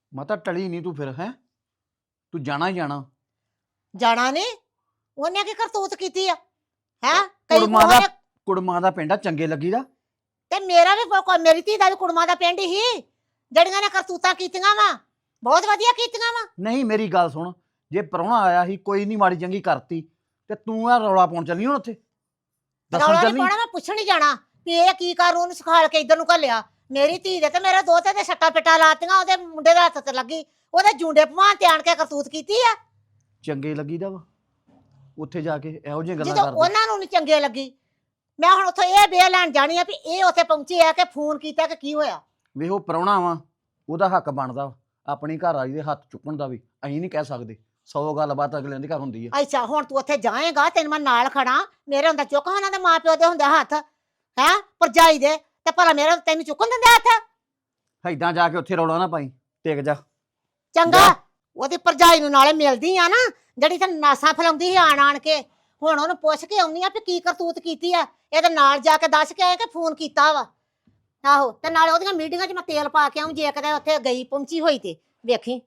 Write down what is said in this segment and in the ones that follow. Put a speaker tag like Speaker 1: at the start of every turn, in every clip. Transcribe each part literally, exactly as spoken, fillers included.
Speaker 1: ਮਾਤਾ ਟਲੀ ਨਹੀਂ ਤੂੰ ਫਿਰ ਹੈ ਤੂੰ ਜਾਣਾ ਹੀ ਜਾਣਾ
Speaker 2: ਜਾਣਾ ਨੇ ਉਹਨੇ ਕੀ ਕਰਤੂਤ ਕੀਤੀ ਆ ਹੈ ਕਈ
Speaker 1: ਕੁੜਮਾਂ ਦਾ
Speaker 2: ਉਹਨੇ-
Speaker 1: ਕੁੜਮਾਂ ਦਾ ਪਿੰਡ ਆ ਚੰਗੇ ਲੱਗੀਦਾ।
Speaker 2: ਤੇ ਮੇਰਾ ਵੀ ਕੋਈ ਮੇਰੀ ਧੀ ਦਾ ਵੀ ਕੁੜਮਾਂ ਦਾ ਪਿੰਡ ਹੀ ਜਿਹੜੀਆਂ ਨੇ ਕਰਤੂਤਾਂ ਕੀਤੀਆਂ ਵਾ ਬਹੁਤ ਵਧੀਆ ਕੀਤੀਆਂ ਵਾ।
Speaker 1: ਨਹੀਂ ਮੇਰੀ ਗੱਲ ਸੁਣ, ਜੇ ਪ੍ਰਾਹੁਣਾ ਆਇਆ ਸੀ ਕੋਈ ਨਹੀਂ ਮਾੜੀ ਚੰਗੀ ਕਰਤੀ ਤੇ ਤੂੰ ਆ ਰੌਲਾ ਪਾਉਣ ਚੱਲੀ ਹੁਣ ਉੱਥੇ ਦੱਸਣ
Speaker 2: ਰੌਲਾ ਨਹੀਂ
Speaker 1: ਚੱਲੀ।
Speaker 2: ਪਾਉਣਾ, ਮੈਂ ਪੁੱਛਣ ਹੀ ਜਾਣਾ ਵੀ ਇਹ ਕੀ ਕਰ ਉਹਨੂੰ ਸਿਖਾਲ ਕੇ ਇੱਧਰ ਨੂੰ ਘੱਲਿਆ। ਮੇਰੀ ਧੀ ਦੇ ਤੇ ਮੇਰੇ ਦੋਤੇ ਦੇ ਸੱਟਾ ਪਿੱਟਾ ਲਾਤੀਆਂ, ਉਹਦੇ ਮੁੰਡੇ ਦੇ ਹੱਥ ਤੇ ਲੱਗੀ, ਉਹਦੇ ਜੂੰਡੇ ਭਵਾਨ ਤੇ ਆਣ ਕੇ ਕਰਤੂਤ ਕੀਤੀ ਆ।
Speaker 1: ਚੰਗੇ ਲੱਗੀਦਾ ਵਾ ਉੱਥੇ ਜਾ ਕੇ ਇਹੋ ਜਿਹੀਆਂ ਗੱਲਾਂ
Speaker 2: ਜਦੋਂ
Speaker 1: ਕਰਦੇ।
Speaker 2: ਉਹਨਾਂ ਨੂੰ ਨਹੀਂ ਚੰਗੇ ਲੱਗੀ, ਮੈਂ ਹੁਣ ਉੱਥੇ ਇਹ ਬੇ ਲੈਣ ਜਾਣੀ ਆ ਵੀ ਇਹ ਉੱਥੇ ਪਹੁੰਚੇ ਆ ਕਿ ਫੋਨ ਕੀਤਾ ਕਿ ਕੀ ਹੋਇਆ।
Speaker 1: ਵੇ ਉਹ ਪ੍ਰਾਹੁਣਾ ਵਾ, ਉਹਦਾ ਹੱਕ ਬਣਦਾ ਵਾ ਆਪਣੀ ਘਰ ਵਾਲੀ ਦੇ ਹੱਥ ਚੁੱਕਣ ਦਾ ਵੀ। ਅਸੀਂ ਨਹੀਂ ਕਹਿ ਸਕਦੇ, ਸੌ ਗੱਲਬਾਤ ਅਗਲਿਆਂ ਦੇ ਘਰ ਹੁੰਦੀ ਆ।
Speaker 2: ਅੱਛਾ ਹੁਣ ਤੂੰ ਉੱਥੇ ਜਾਏਗਾ, ਤੈਨੂੰ ਮੈਂ ਨਾਲ ਖੜਾ, ਮੇਰੇ ਹੁੰਦਾ ਚੁੱਕ ਉਹਨਾਂ ਦੇ ਮਾਂ ਪਿਓ ਦੇ ਹੁੰਦੇ ਹੱਥ ਹੈ ਭਰਜਾਈ ਦੇ, ਤੇ ਭਲਾ ਮੇਰਾ ਤੈਨੂੰ ਚੁੱਕਣ ਦਿੰਦੇ ਹੱਥ?
Speaker 1: ਏਦਾਂ ਜਾ ਕੇ ਉੱਥੇ ਰੌਲਾ ਨਾ ਪਾਈ, ਟਿਕ ਜਾ।
Speaker 2: ਚੰਗਾ ਉਹਦੀ ਭਰਜਾਈ ਨੂੰ ਨਾਲੇ ਮਿਲਦੀ ਆ ਨਾ ਜਿਹੜੀ ਤੇ ਨਾਸਾਂ ਫਲਾਉਂਦੀ ਸੀ ਆਣ ਆਣ ਕੇ। ਹੁਣ ਉਹਨੂੰ ਪੁੱਛ ਕੇ ਆਉਣੀ ਆ ਵੀ ਕੀ ਕਰਤੂਤ ਕੀਤੀ ਆ, ਇਹਦੇ ਨਾਲ ਜਾ ਕੇ ਦੱਸ ਕੇ ਆਏ ਕਿ ਫੋਨ ਕੀਤਾ ਵਾ। ਆਹੋ ਤੇ ਨਾਲੇ ਉਹਦੀਆਂ ਮੀਟਿੰਗਾਂ 'ਚ ਮੈਂ ਤੇਲ ਪਾ ਕੇ ਆਉਂ, ਜੇ ਕਦੇ ਉੱਥੇ ਗਈ ਪਹੁੰਚੀ ਹੋਈ ਤੇ ਵੇਖੀ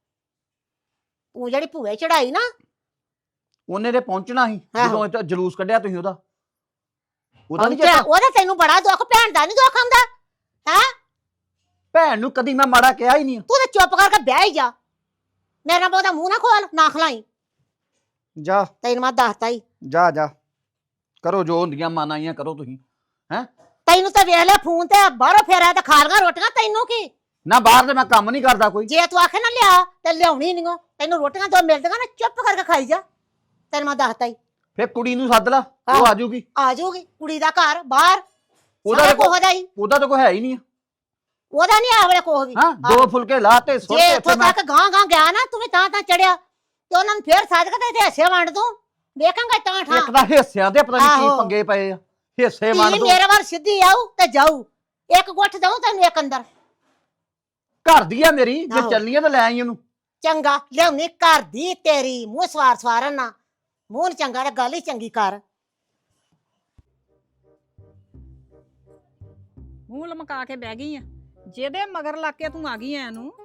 Speaker 2: ਉਹ ਜਿਹੜੀ ਭੂਏ ਚੜਾਈ ਨਾ
Speaker 1: ਉਹਨੇ ਤੇ ਪਹੁੰਚਣਾ ਸੀ
Speaker 2: ਆਹੋ।
Speaker 1: ਜਦੋਂ ਇੱਥੇ ਜਲੂਸ ਕੱਢਿਆ ਤੁਸੀਂ ਉਹਦਾ। ਉਹਦਾ ਨਹੀਂ
Speaker 2: ਪਹੁੰਚਿਆ,
Speaker 1: ਚੇਤਾ?
Speaker 2: ਉਹਦਾ ਤੈਨੂੰ ਬੜਾ ਦੁੱਖ, ਭੈਣ ਦਾ ਨਹੀਂ ਦੁੱਖ ਆਉਂਦਾ ਹੈ?
Speaker 1: ਭੈਣ ਨੂੰ ਕਦੀ ਮੈਂ ਮਾੜਾ ਕਿਹਾ ਹੀ ਨਹੀਂ।
Speaker 2: ਤੂੰ ਤੇ ਚੁੱਪ ਕਰਕੇ ਬਹਿ ਹੀ ਜਾ, ਮੇਰਾ ਬਹੁਤਾ ਮੂੰਹ ਨਾ ਖੋਲ, ਨਾ ਖਲਾਈ।
Speaker 1: ਜਾ
Speaker 2: ਤੈਨੂੰ ਮੈਂ ਦੱਸਤਾ ਹੀ,
Speaker 1: ਜਾ ਜਾ ਕਰੋ ਜੋ ਹੁੰਦੀਆਂ ਮਾਨਾਈਆਂ ਕਰੋ ਤੁਸੀਂ। ਹੈ
Speaker 2: ਤੈਨੂੰ ਤਾਂ ਵੇਖ ਲੈ ਫੋਨ ਤੇ ਬਾਹਰੋਂ ਫੇਰਿਆ ਤੇ ਖਾ ਲਗਾ ਰੋਟੀਆਂ, ਤੈਨੂੰ ਕੀ?
Speaker 1: ਨਾ ਬਾਹਰ ਤੇ ਮੈਂ ਕੰਮ ਨਹੀਂ ਕਰਦਾ ਕੋਈ।
Speaker 2: ਜੇ ਤੂੰ ਆਖੇ ਨਾ ਲਿਆ ਤੇ ਲਿਆਉਣੀ ਨਹੀਂ ਓ, ਤੈਨੂੰ ਰੋਟੀਆਂ ਦੋ ਮਿਲਦੀਆਂ ਨਾ ਚੁੱਪ ਕਰਕੇ ਖਾਈ ਜਾ। ਤੈਨੂੰ ਮੈਂ ਦੱਸਤਾ ਹੀ,
Speaker 1: ਫੇਰ ਕੁੜੀ ਨੂੰ ਸੱਦ ਲਾ, ਉਹ
Speaker 2: ਆਹੋ।
Speaker 1: ਆ ਜਾਊਗੀ।
Speaker 2: ਆ ਜਾਊਗੀ ਕੁੜੀ ਦਾ ਘਰ ਬਾਹਰ,
Speaker 1: ਉਹਦਾ
Speaker 2: ਉਹਦਾ
Speaker 1: ਤਾਂ ਕੋਈ-
Speaker 2: ਕੋਹ ਦਾ ਹੀ,
Speaker 1: ਉਹਦਾ ਤਾਂ ਕੋਈ ਹੈ ਹੀ ਨਹੀਂ।
Speaker 2: ਉਹਦਾ ਨਹੀਂ ਆਵਲੇ ਕੋਹ ਵੀ।
Speaker 1: ਹਾਂ ਦੋ ਫੁਲਕੇ ਲਾ ਤੇ ਸੁੱਟ
Speaker 2: ਜੇ
Speaker 1: ਤੇ
Speaker 2: ਇੱਥੋਂ
Speaker 1: ਮੈਂ
Speaker 2: ਤੱਕ ਗਾਂ ਗਾਂ ਗਿਆ ਨਾ ਤੂੰ ਵੀ ਤਾਂ ਤਾਂ ਚੜਿਆ ਤੇ ਉਹਨਾਂ ਨੂੰ ਫੇਰ ਸਾਜ ਕੇ ਤੇ ਹਿੱਸੇ ਵੰਡ ਦੂੰ, ਵੇਖਾਂਗਾ ਤਾਂ ਠਾਂ।
Speaker 1: ਇੱਕ ਤਾਂ ਹਿੱਸਿਆਂ ਦੇ ਪਤਾ ਨਹੀਂ ਕੀ
Speaker 2: ਆਹੋ।
Speaker 1: ਪੰਗੇ ਪਏ ਆ, ਹਿੱਸੇ ਵੰਡ
Speaker 2: ਧੀ
Speaker 1: ਦੋ।
Speaker 2: ਮੇਰੇ ਵੱਲ ਸਿੱਧੀ ਆਊ ਤੇ ਜਾਊ, ਇੱਕ ਗੁੱਠ ਦਊ ਤੈਨੂੰ ਇੱਕ ਅੰਦਰ।
Speaker 1: ਘਰ ਦੀ ਆ ਮੇਰੀ, ਜੇ
Speaker 2: ਆਹੋ।
Speaker 1: ਚੱਲਣੀ ਆ ਤਾਂ ਲੈ ਆਈ ਉਹਨੂੰ।
Speaker 2: ਚੰਗਾ ਲਿਆਉਣੀ ਘਰ ਦੀ ਤੇਰੀ, ਮੂੰਹ ਸਵਾਰ ਸਵਾਰਨ ਨਾ, ਮੂੰਹ ਨੀ ਚੰਗਾ ਤੇ ਗੱਲ ਹੀ ਚੰਗੀ ਕਰ।
Speaker 3: ਮੂੰਹ ਲਮਕਾ ਕੇ ਬਹਿ ਗਈ ਆ, ਜਿਹਦੇ ਮਗਰ ਲੱਗ ਕੇ ਤੂੰ ਆ ਗਈ ਐ ਨੂੰ।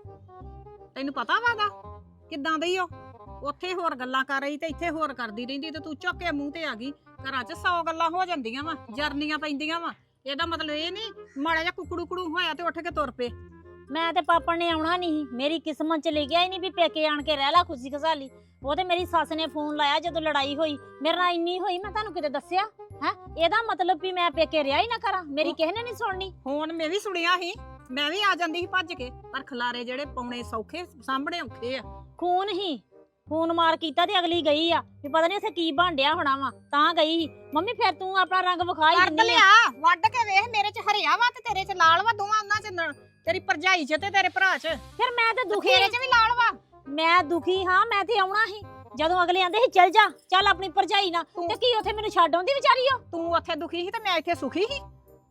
Speaker 3: ਤੈਨੂੰ ਪਤਾ ਵਾਗਾ ਕਿੱਦਾਂ ਦੀ ਓ? ਉੱਥੇ ਹੋਰ ਗੱਲਾਂ ਕਰ ਰਹੀ ਤੇ ਇੱਥੇ ਹੋਰ ਕਰਦੀ ਰਹਿੰਦੀ, ਤੇ ਤੂੰ ਚੁੱਕ ਕੇ ਮੂੰਹ ਤੇ ਆ ਗਈ। ਘਰਾਂ 'ਚ ਸੌ ਗੱਲਾਂ ਹੋ ਜਾਂਦੀਆਂ ਵਾ, ਜਰਨੀਆਂ ਪੈਂਦੀਆਂ ਵਾ। ਇਹਦਾ ਮਤਲਬ ਇਹ ਨਹੀਂ ਮਾੜਾ ਜਿਹਾ ਕੁਕੜੂ ਕੁੜੂ ਹੋਇਆ ਤੇ ਉੱਠ ਕੇ ਤੁਰ ਪਏ।
Speaker 4: ਮੈਂ ਤੇ ਪਾਪਾ ਨੇ ਆਉਣਾ ਨਹੀਂ, ਮੇਰੀ ਕਿਸਮਤ ਚ ਲਿਖਿਆ ਹੀ ਨਹੀਂ ਵੀ ਪੇਕੇ ਆਣ ਕੇ ਰਹਿ ਲਾ ਖੁਸ਼ੀ ਖਸਾਲੀ। ਉਹ ਤੇ ਮੇਰੀ ਸੱਸ ਨੇ ਫੋਨ ਲਾਇਆ ਜਦੋਂ ਲੜਾਈ ਹੋਈ ਮੇਰੇ ਨਾਲ, ਇੰਨੀ ਹੋਈ ਮੈਂ ਤੁਹਾਨੂੰ ਕਿਤੇ ਦੱਸਿਆ ਹੈ? ਇਹਦਾ ਮਤਲਬ ਵੀ ਮੈਂ ਪੇਕੇ ਰਿਹਾ ਹੀ ਨਾ ਕਰਾਂ, ਮੇਰੀ ਕਿਸੇ ਨੇ ਨਹੀਂ ਸੁਣਨੀ।
Speaker 3: ਹੁਣ ਮੈਂ ਵੀ ਸੁਣਿਆ ਸੀ, ਮੈਂ ਵੀ ਆ ਜਾਂਦੀ ਸੀ ਭੱਜ ਕੇ, ਪਰ ਖਲਾਰੇ ਜਿਹੜੇ ਪਾਉਣੇ ਸੌਖੇ ਸਾਹਮਣੇ ਔਖੇ ਆ।
Speaker 4: ਖੂਨ ਹੀ ਖੂਨ ਮਾਰ ਕੀਤਾ ਤੇ ਅਗਲੀ ਗਈ ਆ ਵੀ ਪਤਾ ਨਹੀਂ ਉੱਥੇ ਕੀ ਬਣਦਿਆ ਹੋਣਾ ਵਾ, ਤਾਂ ਗਈ ਸੀ। ਮੰਮੀ ਫਿਰ ਤੂੰ ਆਪਣਾ ਰੰਗ ਵਿਖਾ ਹੀ
Speaker 3: ਕੱਢ
Speaker 4: ਦਿੰਦੀ ਆ।
Speaker 3: ਲਿਆ, ਵੱਢ ਕੇ ਵੇਖ, ਮੇਰੇ 'ਚ ਹਰਿਆ ਵਾ ਤੇ ਤੇਰੇ 'ਚ ਲਾਲ ਵਾ, ਦੋਵਾਂ ਉਹਨਾਂ 'ਚ ਨ- ਤੇਰੀ ਭਰਜਾਈ 'ਚ ਤੇ ਤੇਰੇ ਭਰਾ 'ਚ।
Speaker 4: ਫਿਰ ਮੈਂ ਤੇ ਦੁਖੀ
Speaker 3: ਤੇਰੇ 'ਚ ਵੀ ਲਾਲ ਵਾ।
Speaker 4: ਮੈਂ ਦੁਖੀ ਹਾਂ, ਮੈਂ ਤੇ ਆਉਣਾ ਸੀ ਜਦੋਂ ਅਗਲੇ ਆਂਦੇ ਸੀ ਚੱਲ ਜਾ ਚੱਲ ਆਪਣੀ ਭਰਜਾਈ ਨਾਲ, ਤੇ ਕੀ ਉੱਥੇ ਮੈਨੂੰ ਛੱਡ ਆਉਂਦੀ ਵਿਚਾਰੀ ਉਹ।
Speaker 3: ਤੂੰ ਉੱਥੇ ਦੁਖੀ ਸੀ ਤੇ ਮੈਂ ਇੱਥੇ ਸੁਖੀ ਸੀ।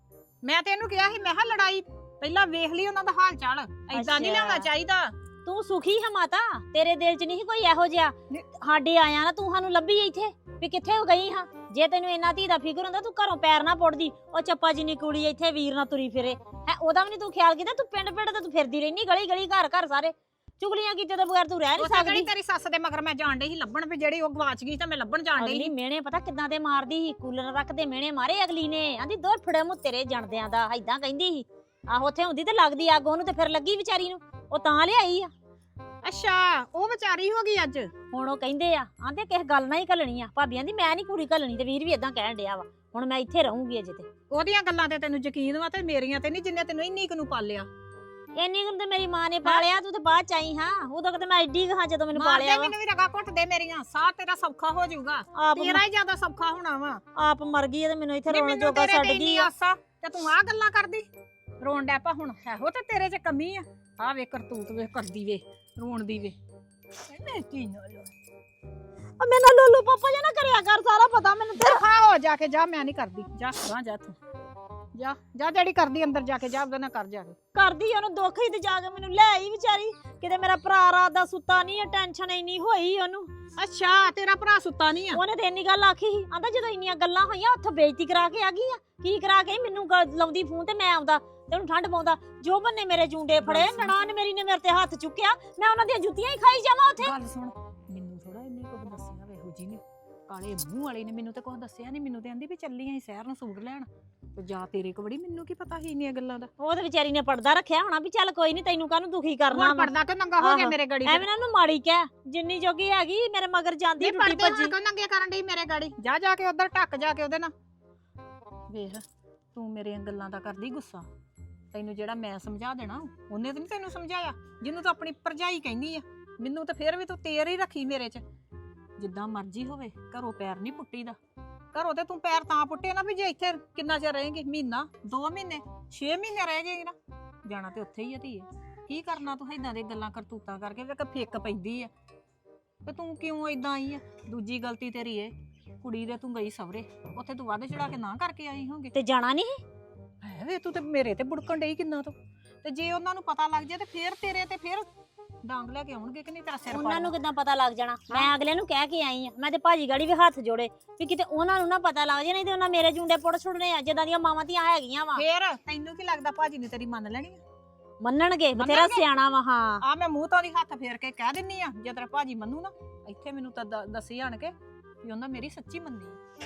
Speaker 3: ਮੈਂ ਤੇ ਇਹਨੂੰ ਕਿਹਾ ਸੀ, ਮੈਂ ਕਿਹਾ ਲੜਾਈ ਪਹਿਲਾਂ ਵੇਖ ਲਈ ਉਹਨਾਂ ਦਾ ਹਾਲ ਚਾਲ, ਏਦਾਂ ਨਹੀਂ
Speaker 4: ਅੱਛਾ।
Speaker 3: ਲਿਆਉਣਾ ਚਾਹੀਦਾ।
Speaker 4: ਤੂੰ ਸੁਖੀ ਹੈ ਮਾਤਾ, ਤੇਰੇ ਦਿਲ 'ਚ ਨਹੀਂ ਕੋਈ ਇਹੋ ਜਿਹਾ। ਸਾਡੇ ਆਇਆ ਨਾ ਤੂੰ ਸਾਨੂੰ ਲੱਭੀ ਇੱਥੇ ਵੀ ਕਿੱਥੇ ਹੋ ਗਈ ਹਾਂ। ਜੇ ਤੈਨੂੰ ਇੰਨਾ ਧੀ ਦਾ ਫਿਕਰ ਹੁੰਦਾ ਤੂੰ ਘਰੋਂ ਪੈਰ ਨਾ ਪੁੱਟਦੀ। ਉਹ ਚੱਪਾ ਜਿੰਨੀ ਕੁੜੀ ਇੱਥੇ ਵੀਰ ਨਾਲ ਤੁਰੀ ਫਿਰੇ ਹੈ, ਉਹਦਾ ਵੀ ਨਹੀਂ ਤੂੰ ਖਿਆਲ ਕੀਤਾ। ਤੂੰ ਪਿੰਡ ਪਿੰਡ ਤੇ ਤੂੰ ਫਿਰਦੀ ਰਹਿਨੀ, ਗਲੀ ਗਲੀ ਘਰ ਘਰ ਸਾਰੇ ਚੁਗਲੀਆਂ ਕੀਤੇ ਤੋਂ ਬਗੈਰ ਤੂੰ ਰਹਿ ਨਹੀਂ
Speaker 3: ਉੱਥੇ
Speaker 4: ਸਕਦੀ।
Speaker 3: ਕਿਹੜੀ ਤੇਰੀ ਸੱਸ ਦੇ ਮਗਰ ਮੈਂ ਜਾਣ ਡਈ ਸੀ ਲੱਭਣ, ਵੀ ਜਿਹੜੀ ਉਹ ਗਵਾਚ ਗਈ ਤਾਂ ਮੈਂ ਲੱਭਣ ਜਾਣ ਡਈ
Speaker 4: ਅਗਲੀ
Speaker 3: ਸੀ।
Speaker 4: ਮਿਹਣੇ ਪਤਾ ਕਿੱਦਾਂ ਦੇ ਮਾਰਦੀ ਸੀ, ਕੂਲਰ ਰੱਖ ਦੇ ਮਿਹਣੇ ਮਾਰੇ ਅਗਲੀ ਨੇ। ਆਂਦੀ ਦੋ ਫੜੇ ਮੂੰ ਤੇਰੇ ਜਣਦਿਆਂ ਦਾ, ਏਦਾਂ ਕਹਿੰਦੀ ਸੀ। ਆਹੋ ਉੱਥੇ ਹੁੰਦੀ ਤੇ ਲੱਗਦੀ ਅੱਗ ਉਹਨੂੰ, ਤੇ ਫਿਰ ਲੱਗੀ ਵਿਚਾਰੀ ਨੂੰ, ਉਹ ਤਾਂ ਲਿਆਈ ਆ।
Speaker 3: ਅੱਛਾ ਉਹ ਵਿਚਾਰੀ ਹੋ ਗਈ ਅੱਜ।
Speaker 4: ਹੁਣ ਉਹ ਕਹਿੰਦੇ ਆ ਆਂਦੇ ਕਿਸ ਗੱਲ ਨਾਲ ਹੀ ਘੱਲਣੀ ਆ। ਭਾਬੀਆਂ ਦੀ ਮੈਂ ਨਹੀਂ ਕੁੜੀ ਘੱਲਣੀ, ਤੇ ਵੀਰ ਵੀ ਏਦਾਂ ਕਹਿਣ ਡਿਆ ਵਾ। ਹੁਣ ਮੈਂ ਇੱਥੇ ਰਹੂੰਗੀ ਅਜੇ ਤੇ।
Speaker 3: ਉਹਦੀਆਂ ਗੱਲਾਂ ਤੇ ਤੈਨੂੰ ਯਕੀਨ ਵਾ ਤੇ ਮੇਰੀਆਂ ਤੇ ਨਹੀਂ, ਜਿੰਨੇ ਤੈਨੂੰ ਇੰਨੀ ਕੁ ਨੂੰ ਪਾਲਿਆ।
Speaker 4: ਇੰਨੀ ਕੁ ਤੇ ਮੇਰੀ ਮਾਂ ਨੇ ਪਾਲਿਆ, ਤੂੰ ਤੇ ਬਾਅਦ ਚ ਆਈ ਹਾਂ। ਉਦੋਂ ਕਦੇ ਮੈਂ ਐਡੀ ਹਾਂ ਜਦੋਂ ਮੈਨੂੰ ਪਾਲਿਆ ਵਾ।
Speaker 3: ਮੈਨੂੰ ਵੀ ਰਗਾ ਘੁੱਟ ਦੇ ਮੇਰੀਆਂ, ਸਾਹ ਤੇਰਾ ਸੌਖਾ ਹੋ ਜਾਊਗਾ,
Speaker 4: ਆਪ
Speaker 3: ਤੇਰਾ ਹੀ ਜ਼ਿਆਦਾ ਸੌਖਾ ਹੋਣਾ ਵਾ।
Speaker 4: ਆਪ ਮਰ ਗਈ ਆ ਤੇ ਮੈਨੂੰ ਇੱਥੇ
Speaker 3: ਨਹੀਂ,
Speaker 4: ਰੋਣ
Speaker 3: ਮੈਨੂੰ
Speaker 4: ਜੋਗਾ
Speaker 3: ਤੇਰੇ
Speaker 4: ਛੱਡ
Speaker 3: ਤੇ
Speaker 4: ਗਈ
Speaker 3: ਇੰਨੀ
Speaker 4: ਆ।
Speaker 3: ਆਸਾ ਤੇ ਤੂੰ ਆਹ ਗੱਲਾਂ ਕਰਦੀ। ਰੋਣ ਡੈ ਪਾ ਹੁਣ, ਇਹੋ ਤੇ ਤੇਰੇ 'ਚ ਕਮੀ ਆ। ਆਹ ਵੇ ਕਰਤੂਤ ਵੇ ਕਰਦੀ ਵੇ, ਰੋਣ ਦੀ ਵੇ। ਮੈਂ ਕੀ ਨਾਲ
Speaker 4: ਆ ਮੈਨਾਂ ਲੋਲੂ ਪਾਪਾ ਜਾਂ ਨਾ ਕਰਿਆ ਕਰ, ਸਾਰਾ ਪਤਾ ਮੈਨੂੰ ਤੇ।
Speaker 3: ਹਾਂ ਹੋ ਜਾ ਕੇ ਜਾ, ਮੈਂ ਨਹੀਂ ਕਰਦੀ। ਜਾ ਗਾਂ ਜਾ ਤੂੰ, ਜਾ ਜਾ ਜਿਹੜੀ ਕਰਦੀ ਅੰਦਰ ਜਾ ਕੇ ਜਾ, ਉਹਦੇ ਨਾਲ ਕਰ ਜਾ ਕੇ।
Speaker 4: ਕਰਦੀ ਉਹਨੂੰ ਦੁੱਖ ਹੀ ਤੇ ਜਾ ਕੇ ਮੈਨੂੰ ਲੈ ਆਈ ਵਿਚਾਰੀ। ਕਿਤੇ ਮੇਰਾ ਭਰਾ ਰਾਤ ਦਾ ਸੁੱਤਾ ਨਹੀਂ, ਟੈਨਸ਼ਨ ਇੰਨੀ ਹੋਈ ਉਹਨੂੰ।
Speaker 3: ਅੱਛਾ ਤੇਰਾ ਭਰਾ ਸੁੱਤਾ ਨਹੀਂ ਆ?
Speaker 4: ਉਹਨੇ ਤੇ ਇੰਨੀ ਗੱਲ ਆਖੀ ਸੀ, ਆਂਦਾ ਜਦੋਂ ਇੰਨੀਆਂ ਗੱਲਾਂ ਹੋਈਆਂ ਉੱਥੇ ਬੇਇੱਜ਼ਤੀ ਕਰਾ ਕੇ ਆ ਗਈ ਆ। ਕੀ ਕਰਾ ਕੇ? ਮੈਨੂੰ ਗ- ਲਾਉਂਦੀ ਫੋਨ ਤੇ ਮੈਂ ਆਉਂਦਾ ਤੇ ਉਹਨੂੰ ਠੰਡ ਪਾਉਂਦਾ। ਜੋ ਬੰਨੇ ਮੇਰੇ ਜੂੰਡੇ ਫੜੇ, ਨਨਾਣ ਮੇਰੀ ਨੇ ਮੇਰੇ ਤੇ ਹੱਥ ਚੁੱਕਿਆ, ਮੈਂ ਉਹਨਾਂ ਦੀਆਂ ਜੁੱਤੀਆਂ ਹੀ ਖਾਈ ਜਾਵਾਂ ਉੱਥੇ।
Speaker 3: ਗੱਲ ਸੁਣ, ਮੈਨੂੰ ਥੋੜਾ ਇੰਨੀ ਕੁ ਦੱਸਿਆ ਵੇ ਇਹੋ ਜੀ ਨੇ, ਕਾਲੇ ਮੂੰਹ ਵਾਲੀ ਨੇ ਮੈਨੂੰ ਤੇ ਕੁਝ ਦੱਸਿਆ ਨਹੀਂ। ਮੈਨੂੰ ਤੇ ਆਂਦੀ ਵੀ ਚੱਲੀ ਆਂ ਸ਼ਹਿਰ ਨੂੰ ਸੂਟ ਲੈਣ, ਤੇ ਜਾ ਤੇਰੇ ਕੋ ਬੜੀ, ਮੈਨੂੰ ਕੀ ਪਤਾ ਸੀ ਇੰਨੀਆਂ ਗੱਲਾਂ ਦਾ।
Speaker 4: ਉਹ ਤੇ ਵਿਚਾਰੀ ਨੇ ਪਰਦਾ ਰੱਖਿਆ ਹੋਣਾ ਵੀ ਚੱਲ ਕੋਈ ਨਹੀਂ, ਤੈਨੂੰ ਕਾਹਨੂੰ ਦੁਖੀ ਕਰਨਾ ਵਾ।
Speaker 3: ਪਰਦਾ ਕਿ ਨੰਗਾ ਹੋ ਗਿਆ
Speaker 4: ਆਹੋ।
Speaker 3: ਮੇਰੇ ਗਾੜੀ
Speaker 4: ਐਵੇਂ ਨਾ ਉਹਨੂੰ ਮਾੜੀ ਕਹਿ, ਜਿੰਨੀ ਜੋਗੀ ਹੈਗੀ ਮੇਰੇ ਮਗਰ ਜਾਂਦੀ ਟੁੱਟੀ ਭੱਜੀ।
Speaker 3: ਕਿਉਂ ਨੰਗੇ ਕਰਨ ਡਈ ਮੇਰੇ ਗਾੜੀ? ਜਾ ਜਾ ਕੇ ਉਧਰ ਟੱਕ ਜਾ ਕੇ ਉਹਦੇ ਨਾਲ ਵੇਖ। ਤੂੰ ਮੇਰੀਆਂ ਗੱਲਾਂ ਦਾ ਕਰਦੀ ਗੁੱਸਾ, ਤੈਨੂੰ ਜਿਹੜਾ ਮੈਂ ਸਮਝਾ ਦੇਣਾ ਉਹਨੇ ਤਾਂ ਨਹੀਂ ਤੈਨੂੰ ਸਮਝਾਇਆ, ਜਿਹਨੂੰ ਤੂੰ ਆਪਣੀ ਭਰਜਾਈ ਕਹਿੰਦੀ ਆ। ਮੈਨੂੰ ਤਾਂ ਫੇਰ ਵੀ ਤੂੰ ਤੇਰ ਹੀ ਰੱਖੀ ਮੇਰੇ 'ਚ। ਜਿੱਦਾਂ ਮਰਜ਼ੀ ਹੋਵੇ, ਘਰੋਂ ਪੈਰ ਨਹੀਂ ਪੁੱਟੀਦਾ। ਘਰੋਂ ਤੇ ਤੂੰ ਪੈਰ ਤਾਂ ਪੁੱਟੇ ਨਾ ਵੀ ਜੇ ਇੱਥੇ ਕਿੰਨਾ ਚਿਰ ਰਹੇਂਗੀ, ਮਹੀਨਾ ਦੋ ਮਹੀਨੇ ਛੇ ਮਹੀਨੇ ਰਹਿ ਜਾਏਗੀ ਨਾ, ਜਾਣਾ ਤੇ ਉੱਥੇ ਹੀ ਆ ਧੀਏ। ਕੀ ਕਰਨਾ ਤੂੰ ਏਦਾਂ ਦੀਆਂ ਗੱਲਾਂ ਕਰਤੂਤਾਂ ਕਰਕੇ ਵੇਖ ਫਿੱਕ ਪੈਂਦੀ ਆ। ਤੇ ਤੂੰ ਕਿਉਂ ਏਦਾਂ ਆਈ ਆ? ਦੂਜੀ ਗਲਤੀ ਤੇਰੀ ਏ, ਕੁੜੀ ਦੇ ਤੂੰ ਗਈ ਸਵਰੇ, ਉੱਥੇ ਤੂੰ ਵੱਧ ਚੜਾ ਕੇ ਨਾ ਕਰਕੇ ਆਈ ਹੋਗੀ।
Speaker 4: ਤੇ ਜਾਣਾ ਨਹੀਂ
Speaker 3: ਹੈ ਵੇ ਤੂੰ ਤੇ ਮੇਰੇ ਤੇ ਬੁੜਕਣ ਡਈ ਕਿੰਨਾ ਤੋਂ। ਤੇ ਜੇ ਉਹਨਾਂ ਨੂੰ ਪਤਾ ਲੱਗ ਜਾਏ ਤੇ ਫੇਰ ਤੇਰੇ ਤੇ ਫੇਰ ਡਾਂਗ ਲੈ ਕੇ ਆਉਣਗੇ ਕਿ ਨਹੀਂ ਤੇਰਾ ਸਿਰ
Speaker 4: ਉਹਨਾਂ ਨੂੰ ਕਿੱਦਾਂ ਪਤਾ ਲੱਗ ਜਾਣਾ? ਮੈਂ ਅਗਲੇ ਨੂੰ ਕਹਿ ਕੇ ਆਈ ਆ, ਮੈਂ ਤੇ ਭਾਜੀ ਗਾੜੀ ਵੀ ਹੱਥ ਜੋੜੇ ਵੀ ਕਿਤੇ ਉਹਨਾਂ ਨੂੰ ਨਾ ਪਤਾ ਲੱਗ ਜਾਏ, ਨਹੀਂ ਤੇ ਉਹਨਾਂ ਮੇਰੇ ਜੁੰਡੇ ਪੁੱਟ ਛੁੱਟਨੇ ਆ ਜਿੱਦਾਂ ਦੀਆਂ ਮਾਵਾਂ ਧੀਆਂ ਹੈਗੀਆਂ ਵਾ।
Speaker 3: ਫੇਰ ਤੈਨੂੰ ਕੀ ਲੱਗਦਾ ਭਾਜੀ ਨੇ ਤੇਰੀ ਮੰਨ ਲੈਣੀ ਆ?
Speaker 4: ਮੰਨਣਗੇ, ਬਥੇਰਾ ਸਿਆਣਾ ਵਾ। ਹਾਂ
Speaker 3: ਆ ਮੈਂ ਮੂੰਹ ਤੋਂ ਦੀ ਹੱਥ ਫੇਰ ਕੇ ਕਹਿ ਦਿੰਨੀ ਆ, ਜੇ ਤੇਰਾ ਭਾਜੀ ਮੰਨੂ ਨਾ ਇੱਥੇ ਮੈਨੂੰ ਤਾਂ ਦ- ਦੱਸੀ ਆਣ ਕੇ ਵੀ ਉਹਨਾਂ ਮੇਰੀ ਸੱਚੀ ਮੰਨੀ ਆ।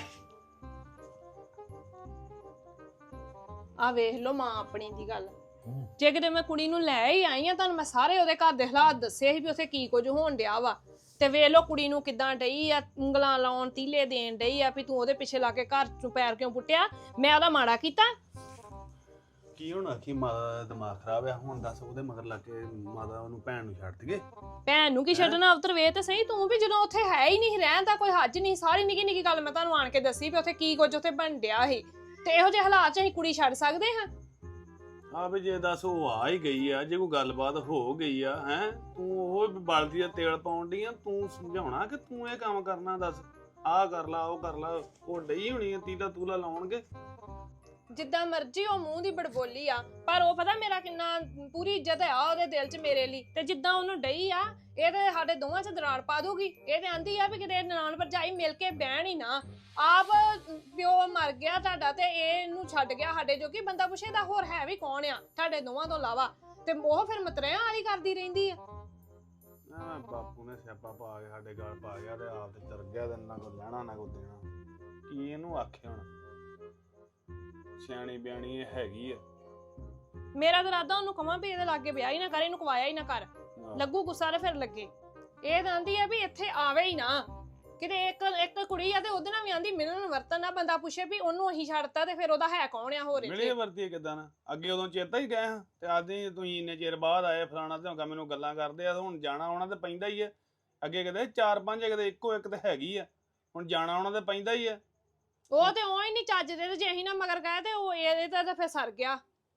Speaker 5: ਆ ਵੇਖ ਲੋ ਮਾਂ ਆਪਣੀ ਦੀ ਗੱਲ। ਜੇ ਕਿਤੇ ਮੈਂ ਕੁੜੀ ਨੂੰ ਲੈ ਹੀ ਆਈ ਆ, ਤੁਹਾਨੂੰ ਮੈਂ ਸਾਰੇ ਉਹਦੇ ਘਰ ਦੇ ਹਾਲਾਤ ਦੱਸੇ ਸੀ ਵੀ ਉੱਥੇ ਕੀ ਕੁਝ ਹੋਣ ਡਿਆ ਵਾ। ਤੇ ਵੇਖ ਲੋ ਕੁੜੀ ਨੂੰ ਕਿਦਾਂ ਡਈ ਆ ਉਂਗਲਾਂ ਲਾਉਣ, ਤੀਲੇ ਦੇਣ ਡਈ ਆ ਵੀ ਤੂੰ ਉਹਦੇ ਪਿੱਛੇ ਲਾ ਕੇ ਘਰ ਚੋਂ ਪੈਰ ਕਿਉਂ ਪੁੱਟਿਆ। ਮੈਂ ਉਹਦਾ ਮਾੜਾ ਕੀਤਾ?
Speaker 6: ਕੀ ਹੋਣਾ ਕਿ ਮਾਤਾ ਦਾ ਦਿਮਾਗ ਖਰਾਬ ਆ। ਹੁਣ ਦੱਸ ਉਹਦੇ ਮਗਰ ਲੱਗ ਕੇ ਮਾਤਾ ਉਹਨੂੰ ਭੈਣ ਨੂੰ ਛੱਡ ਦਈਏ?
Speaker 5: ਭੈਣ ਨੂੰ ਕੀ ਛੱਡਣਾ ਅਵਤਰ, ਵੇ ਤੇ ਸਹੀ ਤੂੰ ਵੀ ਜਦੋਂ ਉੱਥੇ ਹੈ ਹੀ ਨਹੀਂ, ਰਹਿਣ ਦਾ ਕੋਈ ਹੱਜ ਨਹੀਂ। ਸਾਰੀ ਨਿੱਕੀ ਨਿੱਕੀ ਗੱਲ ਮੈਂ ਤੁਹਾਨੂੰ ਆਣ ਕੇ ਦੱਸੀ ਵੀ ਉੱਥੇ ਕੀ ਕੁਝ ਉੱਥੇ ਬਣ ਡਿਆ ਸੀ। ਤੇ ਇਹੋ ਜਿਹੇ ਹਾਲਾਤ 'ਚ ਅਸੀਂ ਕੁੜੀ ਛੱਡ ਸਕਦੇ ਹਾਂ?
Speaker 6: ਆ ਵੀ ਜੇ ਦੱਸ ਉਹ ਆ ਹੀ ਗਈ ਆ, ਜੇ ਕੋਈ ਗੱਲਬਾਤ ਹੋ ਗਈ ਆ, ਹੈ ਤੂੰ ਉਹ ਬਲਦੀ ਦਾ ਤੇਲ ਪਾਉਣ ਡਈ ਆ। ਤੂੰ ਸਮਝਾਉਣਾ ਕਿ ਤੂੰ ਇਹ ਕੰਮ ਕਰਨਾ? ਦੱਸ ਆਹ ਕਰ ਲਾ, ਉਹ ਕਰ ਲਾ। ਉਹ ਡਈ ਹੋਣੀ ਆ ਤੀਲਾ ਤੂਲਾ ਲਾਉਣਗੇ।
Speaker 5: ਜਿੱਦਾਂ ਮਰਜ਼ੀ ਉਹ ਮੂੰਹ ਦੀ ਬੜਬੋਲੀ ਆ, ਪਰ ਉਹ ਪਤਾ ਮੇਰਾ ਕਿੰਨਾ ਪੂਰੀ ਇੱਜ਼ਤ ਆ ਉਹਦੇ ਦਿਲ 'ਚ ਮੇਰੇ ਲਈ। ਤੇ ਜਿੱਦਾਂ ਉਹਨੂੰ ਡਈ ਆ, ਇਹ ਤੇ ਸਾਡੇ ਦੋਵਾਂ 'ਚ ਦਰਾੜ ਪਾ ਦੂਗੀ। ਇਹ ਤੇ ਆਂਦੀ ਆ ਵੀ ਕਿਤੇ ਨਨਾਣ ਭਰਜਾਈ ਮਿਲ ਕੇ ਬਹਿਣ ਹੀ ਨਾ। ਆਪ ਪਿਓ ਮਰ ਗਿਆ ਤੁਹਾਡਾ ਤੇ ਇਹ ਇਹਨੂੰ ਛੱਡ ਗਿਆ ਸਾਡੇ ਜੋਗੀ। ਬੰਦਾ ਪੁੱਛੇ ਦਾ ਹੋਰ ਹੈ ਵੀ ਕੌਣ ਆ ਤੁਹਾਡੇ ਦੋਵਾਂ ਤੋਂ ਇਲਾਵਾ? ਤੇ ਉਹ ਫਿਰ ਮਤਰਿਆਂ ਵਾਲੀ ਕਰਦੀ ਰਹਿੰਦੀ ਆ।
Speaker 6: ਐਵੇਂ ਬਾਪੂ ਨੇ ਸਿਆਪਾ ਪਾ ਕੇ ਸਾਡੇ ਗਲ ਪਾ ਗਿਆ ਤੇ ਆਪ ਤੇ ਚਰ ਗਿਆ, ਤੇ ਨਾ ਕੋਈ ਲੈਣਾ ਨਾ ਕੋਈ ਦੇਣਾ। ਕੀ ਇਹਨੂੰ ਆਖੇ ਹੁਣ? ਸਿਆਣੀ ਬਿਆਣੀ ਇਹ ਹੈਗੀ ਆ।
Speaker 5: ਮੇਰਾ ਤਾਂ ਇਰਾਦਾ ਉਹਨੂੰ ਕਵਾਂ ਵੀ ਇਹਦੇ ਲਾਗੇ ਵਿਆਹ ਹੀ ਨਾ ਕਰ, ਇਹਨੂੰ ਕਵਾਇਆ ਹੀ ਨਾ ਕਰ। ਲੱਗੂ ਗੁੱਸਾ ਤੇ ਫਿਰ ਲੱਗੇ। ਇਹ ਤਾਂ ਆਂਦੀ ਆ ਵੀ ਇੱਥੇ ਆਵੇ ਹੀ ਨਾ ਕਿਤੇ। ਇੱਕ ਇੱਕ ਕੁੜੀ ਆ ਤੇ ਉਹਦੇ ਨਾਲ ਵੀ ਆਂਦੀ ਮਿਲਣ ਵਰਤਨ ਨਾ। ਬੰਦਾ ਪੁੱਛੇ ਵੀ ਉਹਨੂੰ ਅਸੀਂ ਛੱਡਤਾ ਤੇ ਫਿਰ ਉਹਦਾ ਹੈ ਕੌਣ ਆ ਹੋਰ
Speaker 6: ਮਿਲੇ
Speaker 5: ਇੱਥੇ?
Speaker 6: ਵਰਤੀ ਕਿਦਾਂ ਨਾ? ਅੱਗੇ ਉਦੋਂ ਚੇਤਾ ਹੀ ਗਏ ਹਾਂ, ਤੇ ਅੱਜ ਹੀ ਤੁਸੀਂ ਇੰਨੇ ਚਿਰ ਬਾਅਦ ਆਏ ਫਲਾਣਾ ਧੌਂਕਾ ਮੈਨੂੰ ਗੱਲਾਂ ਕਰਦੇ ਆ। ਹੁਣ ਜਾਣਾ ਆਉਣਾ ਤੇ ਪੈਂਦਾ ਹੀ ਆ। ਅੱਗੇ ਕਿਤੇ ਚਾਰ ਪੰਜ, ਕਿਤੇ ਇੱਕੋ ਇੱਕ ਤੇ ਹੈਗੀ ਆ। ਹੁਣ ਜਾਣਾ ਆਉਣਾ ਤੇ ਪੈਂਦਾ ਹੀ ਆ।
Speaker 5: ਉਹ ਤੇ ਉਹ ਹੀ ਨਹੀਂ ਚੱਜਦੇ, ਤੇ ਜੇ ਅਸੀਂ ਨਾ ਮਗਰ ਗਏ ਤੇ ਉਹ ਇਹਦੇ ਤੇ ਤਾਂ ਫਿਰ ਸਰ ਗਿਆ।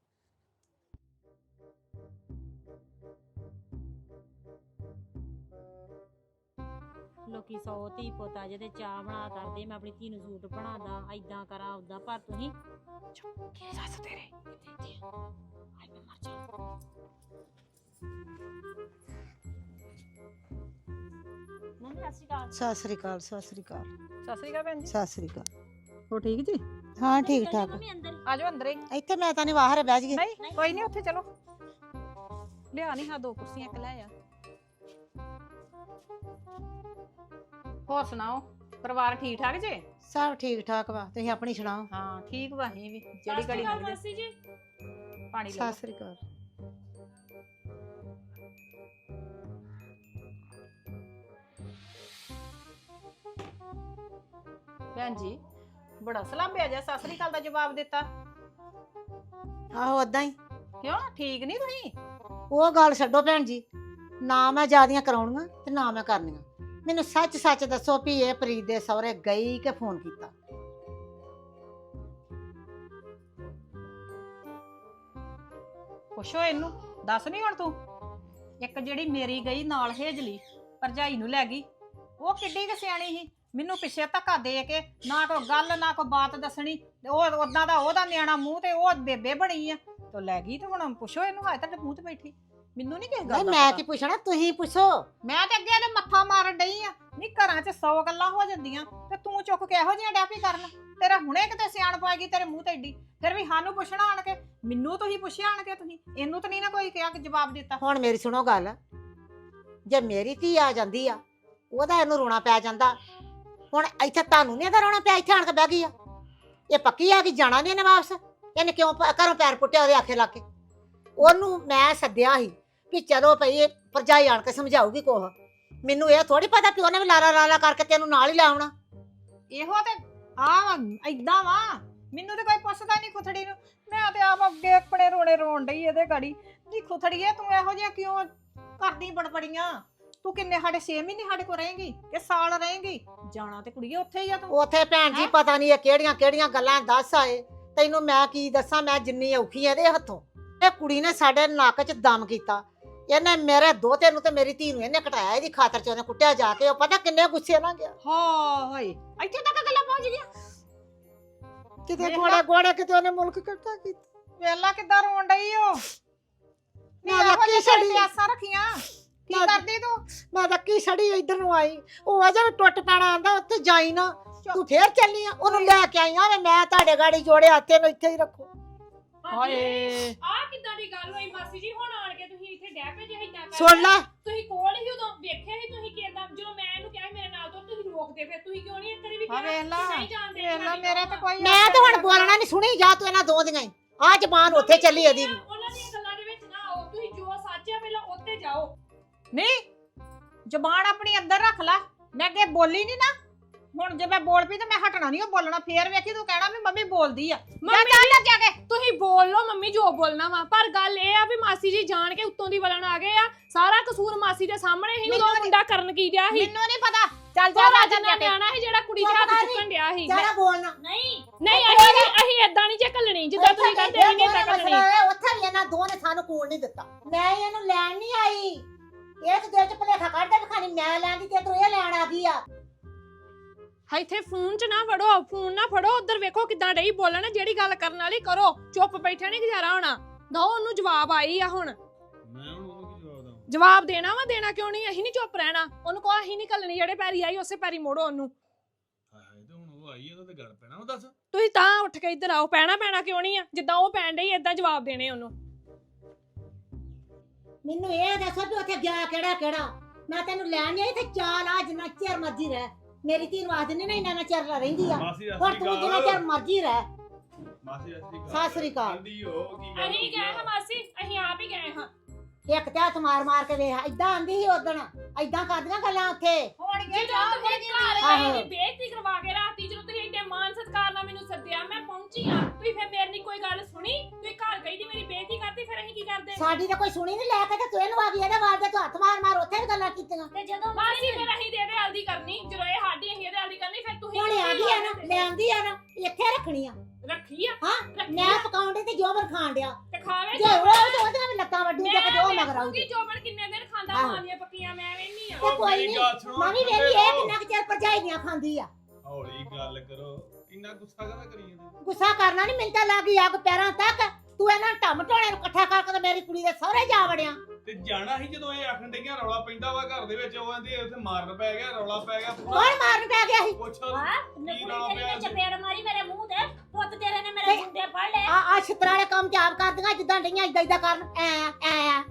Speaker 4: ਲੋਕੀ ਸੌ ਧੀ ਪੁੱਤ ਜਿਹਦੇ ਚਾਹ ਬਣਾ ਕਰਦੇ, ਮੈਂ ਆਪਣੀ ਧੀ ਨੂੰ ਸੂਟ ਬਣਾਦਾ, ਏਦਾਂ ਕਰਾਂ ਉਦਾਂ, ਪਰ ਤੁਸੀਂ
Speaker 3: ਸੱਸ ਤੇਰੇ
Speaker 4: ਹਾਏ ਮੈਂ ਮਰ ਜਾ। ਮੰਮੀ ਸਤਿ ਸ਼੍ਰੀ ਅਕਾਲ।
Speaker 2: ਸਤਿ ਸ੍ਰੀ ਅਕਾਲ, ਸਤਿ ਸ੍ਰੀ ਅਕਾਲ,
Speaker 3: ਸਤਿ ਸ੍ਰੀ ਅਕਾਲ ਭੈਣ ਜੀ।
Speaker 2: ਸਤਿ ਸ੍ਰੀ ਅਕਾਲ।
Speaker 3: ਹੋ ਠੀਕ ਜੀ?
Speaker 2: ਹਾਂ ਠੀਕ ਠਾਕ।
Speaker 4: ਮੰਮੀ ਅੰਦਰ
Speaker 3: ਆ ਜਾਓ ਅੰਦਰ ਹੀ।
Speaker 2: ਇੱਥੇ ਮੈਂ ਤਾਂ ਨਹੀਂ ਬਾਹਰ ਬਹਿ ਜਾਈਏ।
Speaker 3: ਨਹੀਂ ਕੋਈ ਨਹੀਂ, ਉੱਥੇ ਚਲੋ। ਲਿਆ ਨਹੀਂ ਹਾਂ ਦੋ ਕੁਰਸੀਆਂ ਇੱਕ ਲੈ ਆ। ਹੋਰ ਸੁਣਾਓ, ਪਰਿਵਾਰ ਠੀਕ ਠਾਕ ਜੇ?
Speaker 2: ਸਭ ਠੀਕ ਠਾਕ ਵਾ, ਤੁਸੀਂ ਆਪਣੀ ਸੁਣਾਓ।
Speaker 3: ਹਾਂ ਠੀਕ ਵਾ, ਅਸੀਂ ਵੀ ਜਿਹੜੀ ਘੜੀ ਲੰਘ ਜਾਏ।
Speaker 5: ਮਾਸੀ ਜੀ
Speaker 3: ਪਾਣੀ ਲੈ
Speaker 2: ਸਤਿ ਸ੍ਰੀ ਅਕਾਲ।
Speaker 3: ਭੈਣ ਜੀ ਬੜਾ ਸਲਾਬਿਆ ਜਿਹਾ ਸਤਿ ਸ੍ਰੀ ਅਕਾਲ ਦਾ ਜਵਾਬ ਦਿੱਤਾ।
Speaker 2: ਆਹੋ ਓਦਾਂ ਹੀ।
Speaker 3: ਕਿਉਂ ਠੀਕ ਨਹੀਂ ਤੁਸੀਂ?
Speaker 2: ਉਹ ਗੱਲ ਛੱਡੋ ਭੈਣ ਜੀ, ਨਾ ਮੈਂ ਜਿਆਦੀਆਂ ਕਰਾਉਣੀਆਂ ਤੇ ਨਾ ਮੈਂ ਕਰਨੀਆਂ। ਮੈਨੂੰ ਸੱਚ ਸੱਚ ਦੱਸੋ ਵੀ ਇਹ ਪ੍ਰੀਤ ਦੇ ਸਹੁਰੇ ਗਈ ਕਿ ਫੋਨ ਕੀਤਾ?
Speaker 3: ਪੁੱਛੋ ਇਹਨੂੰ, ਦੱਸ ਨਹੀਂ ਹੁਣ ਤੂੰ। ਇੱਕ ਜਿਹੜੀ ਮੇਰੀ ਗਈ ਨਾਲ ਹੇਜਲੀ ਭਰਜਾਈ ਨੂੰ ਲੈ ਗਈ, ਉਹ ਕਿੱਡੀ ਕੁ ਸਿਆਣੀ ਸੀ। ਮੈਨੂੰ ਪਿੱਛੇ ਧੱਕਾ ਦੇ ਕੇ ਨਾ ਕੋਈ ਗੱਲ ਨਾ ਕੋਈ ਬਾਤ ਦੱਸਣੀ, ਤੇ ਉਹ ਉਦਾਂ ਦਾ ਉਹਦਾ ਨਿਆਣਾ ਮੂੰਹ ਤੇ ਉਹ ਬੇਬੇ ਬਣੀ ਆ ਤੇ ਲੈ ਗਈ। ਤੇ ਹੁਣ ਪੁੱਛੋ ਇਹਨੂੰ, ਹਾਏ ਤੁਹਾਡੇ ਮੂੰਹ ਤੇ ਬੈਠੀ। ਮੈਨੂੰ ਨਹੀਂ ਕਿਸੇ ਗੱਲ
Speaker 2: ਨਹੀਂ
Speaker 3: ਦਾ
Speaker 2: ਮੈਂ
Speaker 3: ਪਤਾ।
Speaker 2: ਕੀ ਪੁੱਛਣਾ, ਤੁਸੀਂ ਪੁੱਛੋ।
Speaker 3: ਮੈਂ ਤੇ ਅੱਗੇ ਇਹਦੇ ਮੱਥਾ ਮਾਰਨ ਡਈ ਆ। ਨਹੀਂ ਘਰਾਂ 'ਚ ਸੌ ਗੱਲਾਂ ਹੋ ਜਾਂਦੀਆਂ ਤੇ ਤੂੰ ਚੁੱਕ ਕੇ ਇਹੋ ਜਿਹੀਆਂ ਡੈਪੀ ਕਰਨ। ਤੇਰਾ ਹੁਣੇ ਕਿਤੇ ਸਿਆਣ ਪਾਏਗੀ ਤੇਰੇ ਮੂੰਹ ਤੇ ਏਡੀ। ਫਿਰ ਵੀ ਸਾਨੂੰ ਪੁੱਛਣਾ ਆਣ ਕੇ, ਮੈਨੂੰ ਤੁਸੀਂ ਪੁੱਛਿਆ ਆਣ ਕੇ, ਤੁਸੀਂ ਇਹਨੂੰ ਤਾਂ ਨਹੀਂ ਨਾ ਕੋਈ ਕਿਹਾ ਕਿ ਜਵਾਬ ਦਿੱਤਾ।
Speaker 2: ਹੁਣ ਮੇਰੀ ਸੁਣੋ ਗੱਲ, ਜੇ ਮੇਰੀ ਧੀ ਆ ਜਾਂਦੀ ਆ ਉਹਦਾ ਇਹਨੂੰ ਰੋਣਾ ਪੈ ਜਾਂਦਾ। ਹੁਣ ਇੱਥੇ ਤੁਹਾਨੂੰ ਨਹੀਂ ਇਹਦਾ ਰੋਣਾ ਪਿਆ, ਇੱਥੇ ਆਣ ਕੇ ਬਹਿ ਗਈ ਆ। ਇਹ ਪੱਕੀ ਆ ਕਿ ਜਾਣਾ ਨਹੀਂ ਇਹਨੇ ਵਾਪਸ। ਇਹਨੇ ਕਿਉਂ ਪ- ਘਰੋਂ ਪੈਰ ਪੁੱਟਿਆ ਉਹਦੇ ਆਖੇ ਲਾ ਕੇ? ਉਹਨੂੰ ਮੈਂ ਸੱਦਿਆ ਸੀ ਵੀ ਚਲੋ ਭਈ ਇਹ ਭਰਜਾਈ ਆਣ ਕੇ ਸਮਝਾਊਗੀ ਕੋਹ। ਮੈਨੂੰ ਇਹ ਥੋੜੀ ਪਤਾ ਕਿ ਉਹਨੇ ਵੀ ਲਾਰਾ ਲਾਰਾ ਕਰਕੇ ਤੈਨੂੰ ਨਾਲ ਹੀ ਲਾਉਣਾ।
Speaker 3: ਇਹੋ ਤੇ ਆ ਏਦਾਂ ਵਾ, ਮੈਨੂੰ ਤੇ ਕੋਈ ਪੁੱਛਦਾ ਨਹੀਂ ਖੁਥੜੀ ਨੂੰ। ਮੈਂ ਤੇ ਆਪ ਅੱਗੇ ਆਪਣੇ ਰੋਣੇ ਰੋਣ ਡਈ ਇਹਦੇ ਗਾੜੀ। ਨੀ ਖੁਥੜੀਏ ਤੂੰ ਇਹੋ ਜਿਹਾ ਕਿਉਂ ਕਰਦੀ ਬੜਬੜੀਆਂ? ਤੂੰ ਕਿੰਨੇ ਸਾਡੇ ਛੇ ਮਹੀਨੇ ਸਾਡੇ ਕੋਲ ਰਹੇਂਗੀ ਕਿ ਸਾਲ ਰਹੇਂਗੀ? ਜਾਣਾ ਤੇ ਕੁੜੀਏ ਉੱਥੇ ਹੀ ਆ ਤੂੰ।
Speaker 2: ਉੱਥੇ ਭੈਣ ਜੀ
Speaker 3: ਹੈਂ?
Speaker 2: ਪਤਾ ਨਹੀਂ ਇਹ ਕਿਹੜੀਆਂ ਕਿਹੜੀਆਂ ਗੱਲਾਂ ਦੱਸ ਆਏ। ਤੈਨੂੰ ਮੈਂ ਕੀ ਦੱਸਾਂ, ਮੈਂ ਜਿੰਨੀ ਔਖੀ ਆ ਇਹਦੇ ਹੱਥੋਂ। ਇਹ ਕੁੜੀ ਨੇ ਸਾਡੇ ਨੱਕ 'ਚ ਦਮ ਕੀਤਾ। ਇਹਨੇ ਮੇਰੇ ਦੋਤੇ ਨੂੰ ਤੇ ਮੇਰੀ ਧੀ ਨੂੰ ਇਹਨੇ ਕਟਾਇਆ। ਇਹਦੀ ਖਾਤਰ 'ਚ ਉਹਨੇ ਕੁੱਟਿਆ ਜਾ ਕੇ। ਉਹ ਪਤਾ ਕਿੰਨੇ ਗੁੱਸੇ ਨਾਲ ਗਿਆ।
Speaker 3: ਹਾਏ ਇੱਥੇ ਤੱਕ ਗੱਲਾਂ ਪਹੁੰਚ ਗਈਆਂ।
Speaker 2: ਕਿਤੇ
Speaker 3: ਵੇਖ ਲਾ।
Speaker 2: ਗੋੜੇ ਗੋੜੇ ਕਿਤੇ ਉਹਨੇ ਮੁਲਕ ਕੱਟਾ ਕੀਤਾ।
Speaker 3: ਵੇਲਾ ਕਿੱਦਾਂ ਰੋਣ ਡਈ ਓ। ਨੀ
Speaker 2: ਮੈਂ
Speaker 3: ਇਹੋ
Speaker 2: ਰੱਖੀ
Speaker 3: ਜਿਹੀ
Speaker 2: ਛੜੀ।
Speaker 3: ਪਿਆਸਾਂ ਰੱਖੀਆਂ ਕੀ
Speaker 2: ਮੈਂ-
Speaker 3: ਕਰਦੀ ਤੂੰ?
Speaker 2: ਮੈਂ ਰੱਖੀ ਛੜੀ ਇੱਧਰ ਨੂੰ ਆਈ। ਉਹ ਅਜੇ ਵੀ ਟੁੱਟ ਪੈਣਾ ਆਂਦਾ ਉੱਥੇ ਜਾਈ ਨਾ। ਤੂੰ ਫੇਰ ਚੱਲੀ ਆ ਉਹਨੂੰ ਲੈ ਕੇ ਆਈ ਆ। ਵੇ ਮੈਂ ਤੁਹਾਡੇ ਗਾੜੀ ਜੋੜੇ ਹੱਥੇ ਨੂੰ ਇੱਥੇ ਹੀ ਰੱਖੋ।
Speaker 3: ਹਾਏ
Speaker 5: ਆ ਕਿੱਦਾਂ ਦੀ ਗੱਲ ਹੋਈ ਮਾਸੀ ਜੀ? ਹੁਣ ਆਣ ਕੇ ਤੁਸੀਂ ਇੱਥੇ ਡੈ ਪਏ ਜੇ ਏਦਾਂ ਕਰ।
Speaker 2: ਸੁਣ ਲੈ,
Speaker 5: ਤੁਸੀਂ ਕੋਲ ਹੀ ਉਦੋਂ ਵੇਖਿਆ ਸੀ ਤੁਸੀਂ ਕਿਦਾਂ, ਜਦੋਂ ਮੈਂ ਇਹਨੂੰ ਕਿਹਾ ਸੀ ਮੇਰੇ ਨਾਲ ਤੋਂ ਤੁਸੀਂ ਰੋਕਦੇ, ਫਿਰ ਤੁਸੀਂ ਕਿਉਂ ਨਹੀਂ ਇੱਕ ਵਾਰੀ ਵੀ
Speaker 3: ਹਾਂ
Speaker 5: ਕਿਹਾ
Speaker 3: ਵੇਖ ਲਾ,
Speaker 5: ਕਿ ਨਹੀਂ ਜਾਣਦੇ?
Speaker 3: ਵੇਖ ਲਾ ਮੇਰਾ ਤਾਂ ਕੋਈ
Speaker 2: ਮੈਂ ਤਾਂ ਹੁਣ ਬੋਲਣਾ ਨਹੀਂ। ਸੁਣੀ ਜਾ ਤੂੰ ਇਹਨਾਂ ਦੋ ਦੀਆਂ ਹੀ। ਆ ਜ਼ਬਾਨ ਉੱਥੇ ਚੱਲੀ ਇਹਦੀ ਵੀ।
Speaker 5: ਉਹਨਾਂ ਦੀਆਂ ਗੱਲਾਂ ਦੇ ਵਿੱਚ ਨਾ ਆਓ। ਤੁਸੀਂ ਜੋ ਸੱਚ ਹੈ ਪਹਿਲਾਂ ਉੱਤੇ ਜਾਓ।
Speaker 3: ਨਹੀਂ ਜ਼ਬਾਨ ਆਪਣੀ ਅੰਦਰ ਰੱਖ ਲੈ। ਮੈਂ ਅੱਗੇ ਬੋਲੀ ਨਹੀਂ ਨਾ, ਹੁਣ ਜੇ ਮੈਂ ਬੋਲ ਪਈ ਤਾਂ ਮੈਂ ਹਟਣਾ ਨਹੀਂ ਉਹ ਬੋਲਣਾ। ਫੇਰ ਵੇਖੀ ਤੂੰ ਕਹਿਣਾ ਵੀ ਮੰਮੀ ਬੋਲਦੀ ਆ। ਜਾ ਚੱਲ ਨਾ ਜਾ ਕੇ।
Speaker 5: ਤੁਸੀਂ ਬੋਲ ਲਓ ਮੰਮੀ ਜੋ ਬੋਲਣਾ ਵਾ, ਪਰ ਗੱਲ ਇਹ ਆ ਵੀ ਮਾਸੀ ਜੀ ਜਾਣ ਕੇ ਉੱਤੋਂ ਦੀ ਵਲਣ ਆ ਗਏ ਆ। ਸਾਰਾ ਕਸੂਰ ਮਾਸੀ ਦੇ ਸਾਹਮਣੇ ਹੀ। ਉਦੋਂ
Speaker 3: ਮੈਨੂੰ
Speaker 5: ਮੁੰਡਾ ਕਰਨ ਕੀ ਡਿਆ ਸੀ?
Speaker 3: ਮੈਨੂੰ ਨਹੀਂ ਪਤਾ। ਚੱਲ ਜਾ
Speaker 5: ਸਾਰਾ
Speaker 3: ਰਾਜਨ
Speaker 5: ਜਿੰਨਾ
Speaker 3: ਜਾ ਕੇ।
Speaker 5: ਨਿਆਣਾ ਸੀ ਜਿਹੜਾ ਕੁੜੀ ਦੇ
Speaker 2: ਚੁੱਪ
Speaker 5: ਹੱਥ
Speaker 2: ਕਰ
Speaker 5: ਚੁੱਕਣ ਡਿਆ ਸੀ।
Speaker 2: ਜਰਾ ਬੋਲਣਾ
Speaker 4: ਨਹੀਂ
Speaker 5: ਨਹੀਂ ਅਸੀਂ ਨੀ- ਅਸੀਂ ਏਦਾਂ ਨਹੀਂ ਜੇ ਘੱਲਣੀ ਜਿੱਦਾਂ ਤੁਸੀਂ ਕਹਿੰਦੇ ਅਸੀਂ ਨਹੀਂ ਏਦਾਂ ਘੱਲਣੀ।
Speaker 2: ਉੱਥੇ ਵੀ ਇਹਨਾਂ ਦੋ ਨੇ ਸਾਨੂੰ ਕੂਣ ਨਹੀਂ ਦਿੱਤਾ। ਮੈਂ ਇਹਨੂੰ ਲੈਣ ਨਹੀਂ ਆਈ। ਇਹ ਤੇ ਦਿਲ 'ਚ ਭੁਲੇਖਾ ਕੱਢਦੇ ਵੀ ਖਾਣੀ ਮੈਂ ਲੈਣ ਦੀ ਤੇ ਤੂੰ ਇਹ ਲੈਣ ਆ ਗਈ ਆ।
Speaker 5: ਇੱਥੇ ਫੋਨ 'ਚ ਨਾ ਫੜੋ, ਫੋਨ ਨਾ ਫੜੋ। ਉਧਰ ਵੇਖੋ ਕਿਦਾਂ ਡਈ ਬੋਲਣ। ਜਿਹੜੀ ਗੱਲ ਕਰਨ ਵਾਲੀ ਕਰੋ। ਚੁੱਪ ਬੈਠੇ ਨਹੀਂ ਗੁਜ਼ਾਰਾ ਹੋਣਾ। ਦੋ ਉਹਨੂੰ ਜਵਾਬ ਆਈ ਆ। ਹੁਣ
Speaker 6: ਮੈਂ ਹੁਣ ਉਹਨੂੰ ਕੀ ਜਵਾਬ ਦਵਾਂ?
Speaker 5: ਜਵਾਬ ਦੇਣਾ ਵਾ, ਦੇਣਾ ਕਿਉਂ ਨਹੀਂ? ਅਸੀਂ ਨਹੀਂ ਚੁੱਪ ਰਹਿਣਾ। ਉਹਨੂੰ ਕਹੋ ਅਸੀਂ ਨਹੀਂ ਘੱਲਣੀ, ਜਿਹੜੇ ਪੈਰੀ ਆਈ ਉਸੇ ਪੈਰੀ ਮੋੜੋ ਉਹਨੂੰ।
Speaker 6: ਹਾਏ ਹਾਏ, ਤੇ ਹੁਣ ਉਹ ਆਈ ਆ ਤਾਂ ਗੱਲ ਪੈਣਾ ਉਹ ਦੱਸ।
Speaker 5: ਤੁਸੀਂ ਤਾਂ ਉੱਠ ਕੇ ਇੱਧਰ ਆਓ। ਪੈਣਾ ਪੈਣਾ ਕਿਉਂ ਨਹੀਂ ਆ? ਜਿੱਦਾਂ ਉਹ ਪੈਣ ਡਈ ਏਦਾਂ ਜਵਾਬ ਦੇਣੇ ਉਹਨੂੰ।
Speaker 2: ਮੈਨੂੰ ਇਹ ਦੱਸੋ ਵੀ ਉੱਥੇ ਗਿਆ ਕਿਹੜਾ ਕਿਹੜਾ। ਮੈਂ ਤੈਨੂੰ ਲੈਣ ਨਹੀਂ ਆਈ ਤੇ ਚਾਲ ਆ ਜਿੰਨਾ ਚਿਰ ਮਰਜ਼ੀ ਰਹਿ। ਮੇਰੀ ਧੀ ਨੂੰ ਆਖ ਦਿੰਦੇ ਨਾ ਇੰਨਾ ਨਾ ਚਿਰ ਰਹਿੰਦੀ ਆ।
Speaker 6: ਮਾਸੀ
Speaker 2: ਹੁਣ ਤੂੰ ਜਿੰਨਾ ਚਿਰ ਮਰਜ਼ੀ ਰਹਿ।
Speaker 6: ਮਾਸੀ ਅਸਲੀ
Speaker 2: ਸਤਿ ਸ੍ਰੀ ਅਕਾਲ।
Speaker 6: ਕਹਿੰਦੀ ਉਹ ਕੀ ਗੱਲ
Speaker 5: ਅਸੀਂ ਗਏ ਹਾਂ ਮਾਸੀ, ਅਸੀਂ ਆਪ ਹੀ ਗਏ ਹਾਂ।
Speaker 2: ਇੱਕ ਤੇ ਹੱਥ ਮਾਰ ਮਾਰ ਕੇ ਵੇਖ। ਏਦਾਂ ਆਂਦੀ ਸੀ ਉਦਣ। ਏਦਾਂ ਕਰਦੀਆਂ ਗੱਲਾਂ ਉੱਥੇ।
Speaker 3: ਹੋਣਗੇ
Speaker 5: ਜਦੋਂ ਤੁਸੀਂ ਘਰ
Speaker 2: ਆਹੋ।
Speaker 5: ਗਏ ਬੇਇੱਜ਼ਤੀ ਕਰਵਾ ਕੇ ਰਾਤੀ, ਜਦੋਂ ਤੁਸੀਂ ਇੰਨੇ ਮਾਨ ਸਤਿਕਾਰ ਨਾਲ ਮੈਨੂੰ ਸੱਦਿਆ, ਮੈਂ ਪਹੁੰਚੀ ਆ। ਤੁਸੀਂ ਫਿਰ ਮੇਰੀ ਨੀ ਕੋਈ ਗੱਲ ਸੁਣੀ। ਤੁਸੀਂ ਘਰ ਗਈ ਦੀ ਮੇਰੀ ਬੇਇੱਜ਼ਤੀ ਕਰਤੀ, ਫਿਰ ਅਸੀਂ ਕੀ ਕਰਦੇ?
Speaker 2: ਸਾਡੀ ਤਾਂ ਕੋਈ ਸੁਣੀ ਨਹੀਂ। ਲੈ ਕੇ ਤੇ ਤੂੰ ਇਹਨੂੰ ਆ ਗਈ ਇਹਦੇ ਵਾਲ ਦੇ ਤੂੰ ਹੱਥ ਮਾਰ ਮਾਰ ਉੱਥੇ ਵੀ ਗੱਲਾਂ ਕੀਤੀਆਂ।
Speaker 4: ਤੇ ਜਦੋਂ
Speaker 5: ਮਾਸੀ ਫਿਰ ਅਸੀਂ ਦੇ ਦੇ ਹਲਦੀ ਕਰਨੀ, ਜਦੋਂ ਇਹ ਸਾਡੀ ਅਸੀਂ ਇਹਦੇ ਹਲਦੀ ਕਰਨੀ, ਫਿਰ ਤੁਸੀਂ
Speaker 2: ਹੁਣ ਆ ਗਈ ਆ ਨਾ, ਲੈ ਆਂਦੀ ਆ ਨਾ, ਇੱਥੇ ਰੱਖਣੀ ਆ।
Speaker 5: ਰੱਖੀ ਆ।
Speaker 2: ਹਾਂ
Speaker 5: ਰੱਖੀ
Speaker 2: ਮੈਂ
Speaker 5: ਆ
Speaker 2: ਪਕਾਉਣ ਡਈ ਤੇ ਜੋਬਰ ਖਾਣ ਡਿਆ।
Speaker 5: ਤੇ ਖਾਵੇ
Speaker 2: ਜੇ ਉਹ ਤੇ ਉਹਦੇ ਨਾਲ ਵੀ ਲੱਤਾਂ ਵੱਡੂ ਜੇ ਕਿਤੇ ਉਹ ਮਗਰ ਆਊਗੀ।
Speaker 5: ਮੈਂ ਜੋਬਨ ਕਿੰਨੇ ਦਿਨ ਖਾਂਦਾ
Speaker 2: ਆਹੋ।
Speaker 5: ਮਾਂ ਦੀਆਂ ਪੱਕੀਆਂ, ਮੈਂ ਵੇਹਨੀ ਆ।
Speaker 2: ਤੇ ਕੋਈ ਨਹੀਂ ਮੰਮੀ ਵੇਲੀ ਇਹ ਕਿੰਨਾ ਕੁ ਚਿਰ ਭਰਜਾਈਆਂ ਖਾਂਦੀ ਆ।
Speaker 6: ਹੌਲੀ ਗੱਲ ਕਰੋ। ਇੰਨਾ ਗੁੱਸਾ ਕਾਹਦਾ ਕਰੀ ਜਾਂਦੇ?
Speaker 2: ਗੁੱਸਾ ਕਰਨਾ ਨਹੀਂ। ਮਿੰਟਾਂ ਲੱਗ ਗਈ ਅੱਗ ਪੈਰਾਂ ਤੱਕ। ਤੂੰ ਇਹਨਾਂ ਢਮ ਢੋਣੇ ਨੂੰ ਇਕੱਠਾ ਕਰਕੇ ਤੇ ਮੇਰੀ ਕੁੜੀ ਦੇ ਸਹੁਰੇ ਜਾ ਵੜਿਆ।
Speaker 6: ਤੇ ਜਾਣਾ ਸੀ ਜਦੋਂ ਇਹ ਆਖਣ ਡਈਆਂ ਰੌਲਾ ਪੈਂਦਾ ਵਾ ਘਰ ਦੇ ਵਿੱਚ। ਉਹ ਕਹਿੰਦੀ ਉੱਥੇ ਮਾਰਨ ਪੈ ਗਿਆ, ਰੌਲਾ ਪੈ ਗਿਆ।
Speaker 2: ਕੌਣ ਮਾਰਨ ਪੈ ਗਿਆ ਸੀ?
Speaker 6: ਪੁੱਛ
Speaker 4: ਹਾਂ
Speaker 6: ਕੀ
Speaker 4: ਨਕੁੜੀ
Speaker 6: ਰੌਲਾ
Speaker 4: ਤੇਰੀ ਨੇ
Speaker 6: ਪਿਆ?
Speaker 4: ਚਪੇੜ ਮਾਰੀ ਮੇਰੇ ਮੂੰਹ ਤੇ। ਪੁੱਤ ਤੇਰੇ ਨੇ ਮੇਰੇ ਮੁੰਡੇ ਫੜ ਲਏ।
Speaker 2: ਆ ਆ ਛਿੱਤਰਾਲੇ ਕੰਮ ਚ ਆਪ ਕਰਦੀਆਂ ਜਿੱਦਾਂ ਡਈਆਂ ਇਦਾਂ ਇਦਾਂ ਕਰਨ। ਐ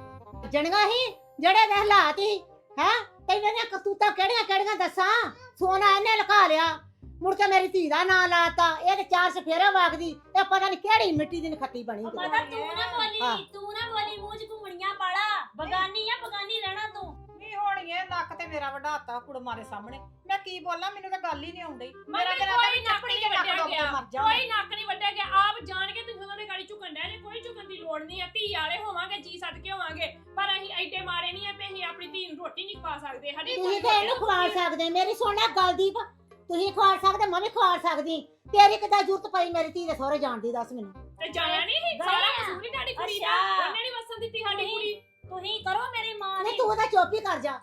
Speaker 2: ਐ ਜਣੀਆਂ ਹੀ ਜਿਹੜੇ ਦੇ ਹਾਲਾਤ ਹੀ ਹੈ। ਤੈਨੂੰ ਦੀਆਂ ਕਰਤੂਤਾਂ ਕਿਹੜੀਆਂ ਕਿਹੜੀਆਂ ਦੱਸਾਂ। ਸੋਨਾ ਇਹਨੇ ਲੁਕਾ ਲਿਆ। ਮੁੜ ਕੇ ਮੇਰੀ ਧੀ ਦਾ ਨਾਂ ਲਾਤਾ। ਇਹ ਤੇ ਚਾਰ ਸਫੇਰੇ ਵਾਗਦੀ। ਇਹ ਪਤਾ ਨਹੀਂ ਕਿਹੜੀ ਮਿੱਟੀ ਦੀ ਨਖੱਤੀ ਬਣੀ ਕਿਤੇ।
Speaker 4: ਪਤਾ ਤੂੰ ਨਾ
Speaker 2: ਹਾਂ।
Speaker 4: ਬੋਲੀ, ਤੂੰ ਨਾ ਬੋਲੀ। ਮੂੰਹ 'ਚ ਘੁੰਮਣੀਆਂ ਪਾਲਾ। ਬਗਾਨੀ ਆ, ਬਗਾਨੀ ਰਹਿਣਾ ਤੂੰ।
Speaker 3: ਨਹੀਂ ਹੋਣੀਏ। ਨੱਕ ਤੇ ਮੇਰਾ ਵਡਾਤਾ ਕੁੜਮਾਂ ਦੇ ਸਾਹਮਣੇ। ਮੈਂ ਕੀ ਬੋਲਾਂ? ਮੈਨੂੰ ਤਾਂ ਗੱਲ ਹੀ ਨਹੀਂ ਆਉਂਦੀ।
Speaker 5: ਮੇਰਾ
Speaker 3: ਤੇ
Speaker 5: ਕੋਈ ਨੱਕ ਨਹੀਂ ਵੱਢਿਆ
Speaker 3: ਡੁੱਬ ਕੇ
Speaker 5: ਗਿਆ।
Speaker 3: ਮਰ ਜਾ।
Speaker 5: ਕੋਈ ਨੱਕ ਨਹੀਂ ਵੱਢਿਆ ਗਿਆ। ਆਪ ਜਾਣ ਕੇ ਤੁਸੀਂ ਉਹਨਾਂ ਦੇ ਗਾੜੀ ਝੁਕਣ ਡਿਆ ਜੇ। ਕੋਈ ਝੁਕਣ ਦੀ ਲੋੜ ਨਹੀਂ ਆ। ਧੀ ਵਾਲੇ ਹੋਵਾਂਗੇ, ਜੀ ਸੱਦ ਕੇ ਹੋਵਾਂਗੇ, ਪਰ ਅਸੀਂ ਐਡੇ ਮਾਰੇ ਨਹੀਂ ਆ ਵੀ ਅਸੀਂ ਆਪਣੀ ਧੀ ਨੂੰ ਰੋਟੀ ਨਹੀਂ ਖਵਾ ਸਕਦੇ। ਸਾਡੀ
Speaker 2: ਤੁਸੀਂ ਤੇ ਇਹਨੂੰ ਖਵਾ ਸਕਦੇ। ਮੇਰੀ ਸੁਣ ਲੈ ਗੱਲ ਦੀਪ। ਤੁਸੀਂ ਖਵਾ ਸਕਦੇ, ਮੈਂ ਵੀ ਖਵਾ ਸਕਦੀ। ਤੇਰੀ ਕਿੱਦਾਂ ਜ਼ਰੂਰਤ ਪਈ ਮੇਰੀ ਧੀ ਦੇ ਸਹੁਰੇ ਜਾਣ ਦੀ? ਦੱਸ ਮੈਨੂੰ।
Speaker 5: ਤੇ ਜਾਣਾ ਨਹੀਂ ਸੀ। ਸਾਰਾ ਕਸੂਰ ਹੀ ਤੁਹਾਡੀ ਕੁੜੀ ਦਾ।
Speaker 4: ਅੱਛਾ।
Speaker 5: ਉਹਨੇ ਨਹੀਂ ਵਸਣ ਦਿੱਤੀ ਸਾਡੀ ਕੁੜੀ।
Speaker 4: ਤੁਸੀਂ ਕਰੋ ਮੇਰੀ ਮਾਂ
Speaker 2: ਨਹੀਂ
Speaker 4: ਦੀ।
Speaker 2: ਤੂੰ ਤਾਂ ਚੁੱਪ ਹੀ ਕਰ ਜਾ।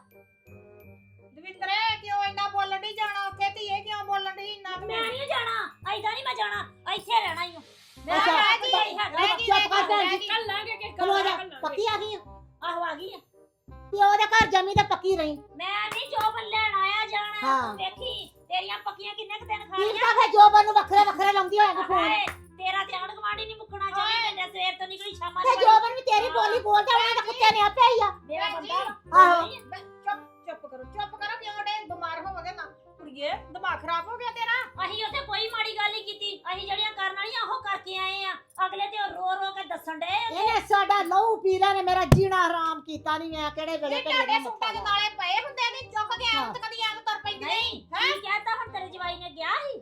Speaker 3: ਦਵਿੰਦਰੇ ਕਿਉਂ ਇੰਨਾ ਬੋਲਣ ਨਹੀਂ ਜਾਣਾ ਉੱਥੇ? ਧੀਏ ਕਿਉਂ ਬੋਲਣ ਨਹੀਂ ਇੰਨਾ?
Speaker 4: ਮੈਂ ਨਹੀਂ ਜਾਣਾ। ਐਦਾਂ ਨਹੀਂ ਮੈਂ ਜਾਣਾ। ਇੱਥੇ ਰਹਿਣਾ ਹੀ ਮੈਂ
Speaker 2: ਅੱਛਾ,
Speaker 4: ਰਹਿ ਗਈ
Speaker 3: ਰਹਿ ਗਈ,
Speaker 2: ਚੁੱਪ ਕਰ ਭੈਣ ਜੀ।
Speaker 5: ਕੱਲਾਂਗੇ ਕਿ
Speaker 2: ਖਲੋ ਜਾ।
Speaker 5: ਕੱਲਾਂਗੇ।
Speaker 2: ਪੱਕੀ ਆ ਗਈ ਆ।
Speaker 4: ਆਹੋ ਆ ਗਈ ਆ।
Speaker 2: ਪਿਓ ਦੇ ਘਰ ਜੰਮੀ ਤੇ ਪੱਕੀ ਰਹੀ।
Speaker 4: ਮੈਂ ਨਹੀਂ ਜੋ ਲੈਣ ਆਇਆ ਜਾਣਾ।
Speaker 2: ਹਾਂ।
Speaker 4: ਤੂੰ ਵੇਖੀ ਤੇਰੀਆਂ ਪੱਕੀਆਂ ਕਿੰਨੇ ਕੁ ਦਿਨ
Speaker 2: ਕੀ
Speaker 4: ਖਾਣੀਆਂ।
Speaker 2: ਤਾਂ ਫੇ ਜੋਬਨ ਨੂੰ ਵੱਖਰੇ ਵੱਖਰੇ ਲਾਉਂਦੀ ਹੋਏਗੀ ਫੋਨ।
Speaker 4: ਹਾਏ, ਤੇਰਾ ਤੇ ਆਂਢ ਗੁਆਂਢ ਹੀ ਨਹੀਂ ਮੁੱਕਣਾ ਚੌਵੀ ਘੰਟੇ ਸਵੇਰ ਤੋਂ ਨਿਕਲੀ ਸ਼ਾਮਾਂ
Speaker 2: ਤੇ ਜੋਬਨ ਵੀ ਤੇਰੀ ਬੋਲੀ ਬੋਲਦਾ ਉਹਨਾਂ ਦਾ ਕੁੱਤੇ ਨੇ ਆਪੇ ਹੀ ਆ
Speaker 4: ਮੇਰਾ
Speaker 5: ਭੈਣ ਜੀ,
Speaker 4: ਬੰਦਾ
Speaker 2: ਆਹੋ।
Speaker 3: ਚੁੱਪ ਚੁੱਪ ਕਰੋ ਚੁੱਪ ਕਰੋ ਕਿਉਂ ਡੇ ਬਿਮਾਰ ਹੋਵੋਗੇ ਨਾ ਕੁੜੀਏ ਦਿਮਾਗ ਖਰਾਬ ਹੋ ਗਿਆ ਤੇਰਾ
Speaker 4: ਅਸੀਂ ਉੱਥੇ ਕੋਈ ਮਾੜੀ ਗੱਲ ਨਹੀਂ ਕੀਤੀ ਅਸੀਂ ਜਿਹੜੀਆਂ ਕਰਨ ਵਾਲੀਆਂ ਉਹ ਕਰਕੇ ਆਏ ਆ ਅਗਲੇ ਤੇ ਉਹ ਰੋ ਰੋ ਕੇ ਦੱਸਣ ਡੇ
Speaker 2: ਇਹਨੇ ਸਾਡਾ ਲਹੂ ਪੀਲਾ ਨੇ ਮੇਰਾ ਜੀਣਾ ਹਰਾਮ ਕੀਤਾ ਨਹੀਂ ਮੈਂ ਕਿਹੜੇ ਵੇਲੇ
Speaker 3: ਇਹ
Speaker 2: ਘਰੇ
Speaker 3: ਤੁਹਾਡੇ
Speaker 2: ਦਾ
Speaker 3: ਸੂਟਾਂ ਦੇ ਨਾਲੇ ਪਏ ਹੁੰਦੇ ਨੇ ਚੁੱਕ ਕੇ
Speaker 2: ਹਾਂ।
Speaker 3: ਆਉਂ ਤੇ ਕਦੀ ਐਂ ਤੁਰ ਪੈਂਦੀ
Speaker 4: ਨਹੀਂ ਕੀ ਕਹਿਤਾ ਹੁਣ ਤੇਰੇ ਜਵਾਈ ਨੇ ਗਿਆ ਸੀ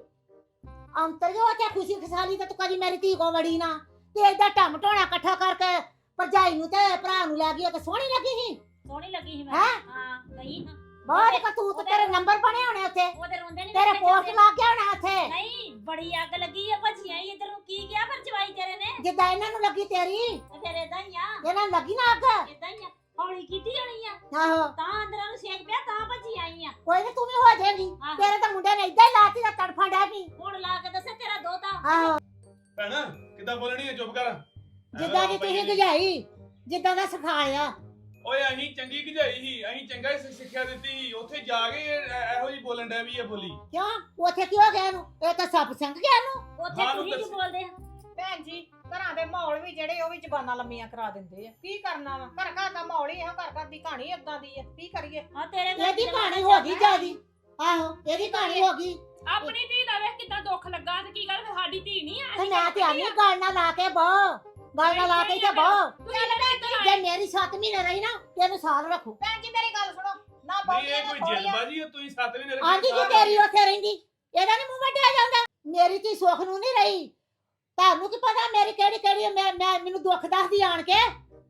Speaker 2: ਅੰਤਰ ਜੋ ਤੇ ਖੁਸ਼ੀ ਖਸਾਲੀ ਤੇ ਤੂੰ ਕਦੀ ਮੇਰੀ ਧੀ ਕੋ ਵੜੀ ਨਾ ਤੇ ਏਦਾਂ ਟਮ ਟੋਣਾ ਇਕੱਠਾ ਕਰਕੇ ਭਰਜਾਈ ਨੂੰ ਤੇ ਭਰਾ ਨੂੰ ਲੈ ਗਈ ਉਹ ਤੇ ਸੋਹਣੀ ਲੱਗੀ ਸੀ
Speaker 4: ਸੋਹਣੀ ਲੱਗੀ ਸੀ ਮੈਂ
Speaker 2: ਹੈਂ?
Speaker 4: ਹਾਂ ਗਈ ਹਾਂ
Speaker 2: ਬਹੁਤ ਕਤੂਤ ਤੇਰੇ ਨੰਬਰ ਬਣੇ ਹੋਣੇ ਉੱਥੇ
Speaker 4: ਉਹਦੇ ਰੋਂਦੇ ਨਹੀਂ
Speaker 2: ਤੇਰੇ ਪੋਸਟ ਲੱਗ ਗਿਆ ਹੋਣਾ ਉੱਥੇ
Speaker 4: ਨਹੀਂ ਬੜੀ ਅੱਗ ਲੱਗੀ ਆ ਭੱਜੀਆਂ ਹੀ ਇਧਰ ਨੂੰ ਕੀ ਗਿਆ ਫਿਰ ਜਵਾਈ ਤੇਰੇ ਨੇ
Speaker 2: ਜਿੱਦਾਂ ਇਹਨਾਂ ਨੂੰ ਲੱਗੀ ਤੇਰੀ
Speaker 4: ਤੇ ਫਿਰ ਏਦਾਂ ਹੀ ਆ
Speaker 2: ਇਹਨਾਂ ਨੂੰ ਲੱਗੀ ਨਾ ਅੱਗ
Speaker 4: ਏਦਾਂ ਹੀ ਆ ਹੌਲੀ ਕੀਤੀ ਹੋਣੀ ਆ
Speaker 2: ਆਹੋ
Speaker 4: ਤਾਂ ਅੰਦਰਾਂ ਨੂੰ ਸੇਕ ਪਿਆ ਤਾਂ ਭੱਜੀ ਆਈ ਆ
Speaker 2: ਕੋਈ ਨਾ ਤੂੰ ਵੀ ਹੋ ਜਾਏਗੀ
Speaker 4: ਆਹੋ।
Speaker 2: ਤੇਰੇ ਤਾਂ ਮੁੰਡੇ ਨੇ ਏਦਾਂ ਹੀ ਲਾਤੀ ਦਾ ਤੜਫਾ ਡੈ ਪਈ
Speaker 4: ਹੁਣ ਲਾ ਕੇ ਦੱਸੇ ਤੇਰਾ ਦੋਤਾ
Speaker 2: ਆਹੋ
Speaker 6: ਭੈਣਾ ਕਿੱਦਾਂ ਬੋਲਣੀ ਹੈ ਚੁੱਪ ਕਰ
Speaker 2: ਜਿੱਦਾਂ ਦੀ ਤੁਸੀਂ ਗਜਾਈ ਜਿੱਦਾਂ ਦਾ ਸਿਖਾਇਆ
Speaker 6: ਓਏ ਅਸੀਂ ਚੰਗੀ ਗਜਾਈ ਸੀ ਅਸੀਂ ਚੰਗਾ ਹੀ ਸਿੱਖਿਆ ਦਿੱਤੀ ਸੀ ਉੱਥੇ ਜਾ ਕੇ ਇਹ- ਇਹੋ ਜੀ ਬੋਲਣ ਡਿਆ ਵੀ ਇਹ ਬੋਲੀ
Speaker 2: ਕਿਉਂ ਉੱਥੇ ਕਿਉਂ ਗਿਆ ਇਹਨੂੰ ਇਹ ਤਾਂ ਸੱਪ ਸੰਗ ਗਿਆ ਇਹਨੂੰ
Speaker 4: ਉੱਥੇ
Speaker 6: ਹਾਂ,
Speaker 4: ਤੁਸੀਂ
Speaker 6: ਦੱਸ।
Speaker 4: ਕੀ ਬੋਲਦੇ ਆ
Speaker 3: ਭੈਣ ਜੀ ਘਰਾਂ ਦੇ ਮਾਹੌਲ ਵੀ ਜਿਹੜੇ ਉਹ ਵੀ ਜ਼ਬਾਨਾਂ ਲੰਮੀਆਂ ਕਰਾ ਦਿੰਦੇ ਆ ਕੀ ਕਰਨਾ ਵਾ ਘਰ ਘਰ ਦਾ ਮਾਹੌਲ ਹੀ ਇਹੋ ਘਰ ਘਰ ਦੀ ਕਹਾਣੀ ਏਦਾਂ ਦੀ ਆ ਕੀ ਕਰੀਏ
Speaker 4: ਹਾਂ ਤੇਰੇ ਘਰ
Speaker 2: ਇਹਦੀ
Speaker 4: ਦੀ
Speaker 2: ਕਹਾਣੀ
Speaker 4: ਜ਼ਬਾਨ
Speaker 2: ਹੋ ਗਈ ਜਿਆਦੀ ਆਹੋ ਇਹਦੀ ਕਹਾਣੀ ਹੋ ਗਈ
Speaker 5: ਆਪਣੀ ਧੀ ਦਾ ਵੇਖ ਕਿੱਦਾਂ ਦੁੱਖ ਲੱਗਾ ਤੇ ਕੀ ਗੱਲ ਫਿਰ ਸਾਡੀ ਧੀ ਨਹੀਂ ਆ
Speaker 2: ਤੇ ਮੈਂ ਤੇ ਆਨੀ ਗੱਲ ਨਾ ਲਾ ਕੇ ਬੋ ਗੱਲ ਨਾ ਲਾ ਕੇ ਤੇ ਬੋ ਜੇ ਮੇਰੀ ਸੱਤ ਮਹੀਨੇ ਰਹੀ ਨਾ ਤੈਨੂੰ ਸਾਲ ਰੱਖੂ
Speaker 3: ਭੈਣ ਜੀ ਮੇਰੀ ਗੱਲ ਸੁਣੋ ਨਾ
Speaker 6: ਨਹੀਂ
Speaker 3: ਬੋਲੀ
Speaker 6: ਇਹ ਕੋਈ ਜਲਦਬਾਜ਼ੀ ਹੈ ਤੁਸੀਂ ਸੱਤ ਵੀ ਨਹੀਂ
Speaker 2: ਆਂਦੀ ਜੀ ਤੇਰੀ ਉੱਥੇ ਰਹਿੰਦੀ ਇਹਦਾ ਨੀ ਮੂੰਹ ਵੱਡਿਆ ਜਾਂਦਾ ਮੇਰੀ ਧੀ ਸੁੱਖ ਨੂੰ ਨਹੀਂ ਰਹੀ ਤੁਹਾਨੂੰ ਕੀ ਪਤਾ ਮੇਰੀ ਕਿਹੜੀ ਕਿਹੜੀ ਮੈਂ ਮੈਂ ਮੈਨੂੰ ਦੁੱਖ ਦੱਸਦੀ ਆਣ ਕੇ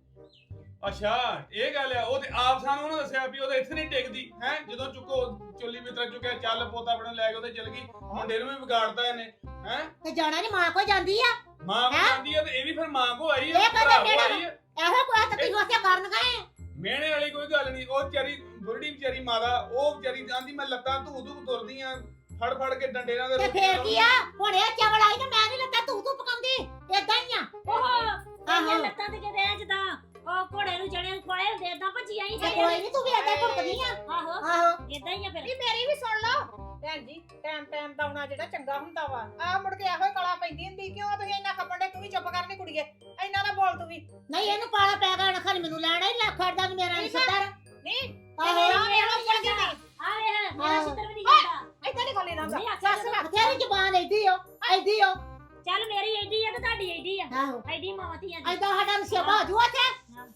Speaker 6: ਅੱਛਾ ਇਹ ਗੱਲ ਆ ਉਹ ਤੇ ਆਪ ਸਾਨੂੰ ਉਹਨਾਂ ਦੱਸਿਆ ਵੀ ਉਹਦੇ ਇੱਥੇ ਨਹੀਂ ਟਿਕਦੀ ਹੈ ਜਦੋਂ ਚੁੱਕੋ ਚੁੱਲੀ ਬਿਤਰਾ ਚੁੱਕਿਆ ਚੱਲ ਪੋਤਾ ਬਣਾ ਲੈ ਕੇ ਉਹਦੇ ਚਲ ਗਈ ਮੁੰਡੇ ਨੂੰ ਵੀ ਵਿਗਾੜਤਾ ਇਹਨੇ ਹੈ
Speaker 2: ਤੇ ਜਾਣਾ ਨੀ ਮਾਂ ਕੋ ਜਾਂਦੀ ਆ
Speaker 6: ਮਾਂ ਕੋ
Speaker 2: ਹੈਂ?
Speaker 6: ਜਾਂਦੀ ਆ ਤੇ ਇਹ ਵੀ ਫਿਰ ਮਾਂ ਕੋ ਆਈ
Speaker 2: ਇਹ
Speaker 6: ਆ
Speaker 2: ਕਦੇ
Speaker 6: ਭਰਾ ਕੋ
Speaker 2: ਮੇਰਾ-
Speaker 6: ਆਈ ਆ
Speaker 2: ਇਹੋ ਕੋਈ ਤਾਂ ਤੁਸੀਂ ਉੱਥੇ ਕਰਨ ਗਏ
Speaker 6: ਮਿਹਣੇ ਵਾਲੀ ਕੋਈ ਗੱਲ ਨਹੀਂ ਉਹ ਵਿਚਾਰੀ ਬੁਰੜੀ ਵਿਚਾਰੀ ਮਾਦਾ ਉਹ ਵਿਚਾਰੀ ਆਂਦੀ ਮੈਂ ਲੱਤਾਂ ਧੂ ਧੂ ਤੁਰਦੀ ਆ ਫੜ ਫੜ ਕੇ ਡੰਡੇ ਨਾਲ
Speaker 2: ਤੇ ਫੇਰ ਕੀ ਆ ਹੁਣ ਇਹ ਚਵਲ ਆਈ ਤੇ ਮੈਂ ਨਹੀਂ ਲੱਗਾ ਤੂੰ ਤੂੰ ਪਕਾਉਂਦੀ ਏਦਾਂ ਹੀ ਆ
Speaker 4: ਉਹ
Speaker 2: ਆਹੋ।
Speaker 4: ਇਹ ਲੱਤਾਂ ਤੇ ਕਿਤੇ ਜਦਾਂ ਉਹ ਘੋੜੇ ਨੂੰ ਜਣੇ ਨੂੰ ਖਵਾਏ ਹੁੰਦੇ ਏਦਾਂ ਭੱਜੀ ਆਈ
Speaker 2: ਤੇ ਕੋਈ ਨਹੀਂ ਤੂੰ ਵੀ ਏਦਾਂ ਹੀ ਭੁੜਕਦੀ ਆ
Speaker 4: ਆਹੋ
Speaker 2: ਆਹੋ
Speaker 4: ਏਦਾਂ ਹੀ ਆ ਫਿਰ
Speaker 3: ਵੀ ਮੇਰੀ ਵੀ ਸੁਣ ਲਓ ਭੈਣ ਜੀ ਟਾਈਮ ਟਾਈਮ ਦਾ ਆਉਣਾ ਜਿਹੜਾ ਚੰਗਾ ਹੁੰਦਾ ਵਾ ਆ ਮੁੜ ਕੇ ਇਹੋ ਹੀ ਕਲਾ ਪੈਂਦੀ ਹੁੰਦੀ ਕਿਉਂ ਤੁਸੀਂ ਇੰਨਾ ਖੱਪਣ ਦੇ ਤੂੰ ਵੀ ਚੁੱਪ ਕਰਨੀ ਕੁੜੀਏ ਇੰਨਾ ਨਾ ਬੋਲ ਤੂੰ ਵੀ
Speaker 2: ਨਹੀਂ ਇਹਨੂੰ ਪਾਲਾ ਪੈ ਗਿਆ ਨਾ ਖਾਲੀ ਮੈਨੂੰ ਲੈਣਾ ਹੀ ਲੱਖ ਖੜਦਾ ਵੀ ਮੇਰਾ ਨਹੀਂ ਸੱਤਰ
Speaker 3: ਨਹੀਂ
Speaker 2: ਆਹੋ
Speaker 3: ਮੇਰਾ ਮੇਰਾ ਉੱਪਰ ਕੀ ਨਹੀਂ
Speaker 4: ਆ ਵੇ ਮੇਰਾ
Speaker 2: ਆਹੋ।
Speaker 4: ਛਿੱਤਰ ਵੀ ਨਹੀਂ ਜਾਂਦਾ
Speaker 3: ਏਦਾਂ ਨਹੀਂ ਬੋਲੀ ਨਾ
Speaker 4: ਨਹੀਂ ਆਖਿਆ
Speaker 3: ਸੱਸ
Speaker 4: ਜਾਂਦਾ।
Speaker 2: ਬਥੇਰੀ ਜ਼ਬਾਨ ਐਡੀ ਓ ਐਡੀ ਓ
Speaker 4: ਚੱਲ ਮੇਰੀ ਐਡੀ ਆ ਤੇ ਤੁਹਾਡੀ ਐਡੀ ਆ
Speaker 2: ਆਹੋ
Speaker 4: ਐਡੀ ਮਾਵਾਤੀਆਂ ਦੀ
Speaker 2: ਐਦਾਂ ਸਾਡਾ ਨਸ਼ੇਬਾ ਹੋ ਜੂਆ ਤੇ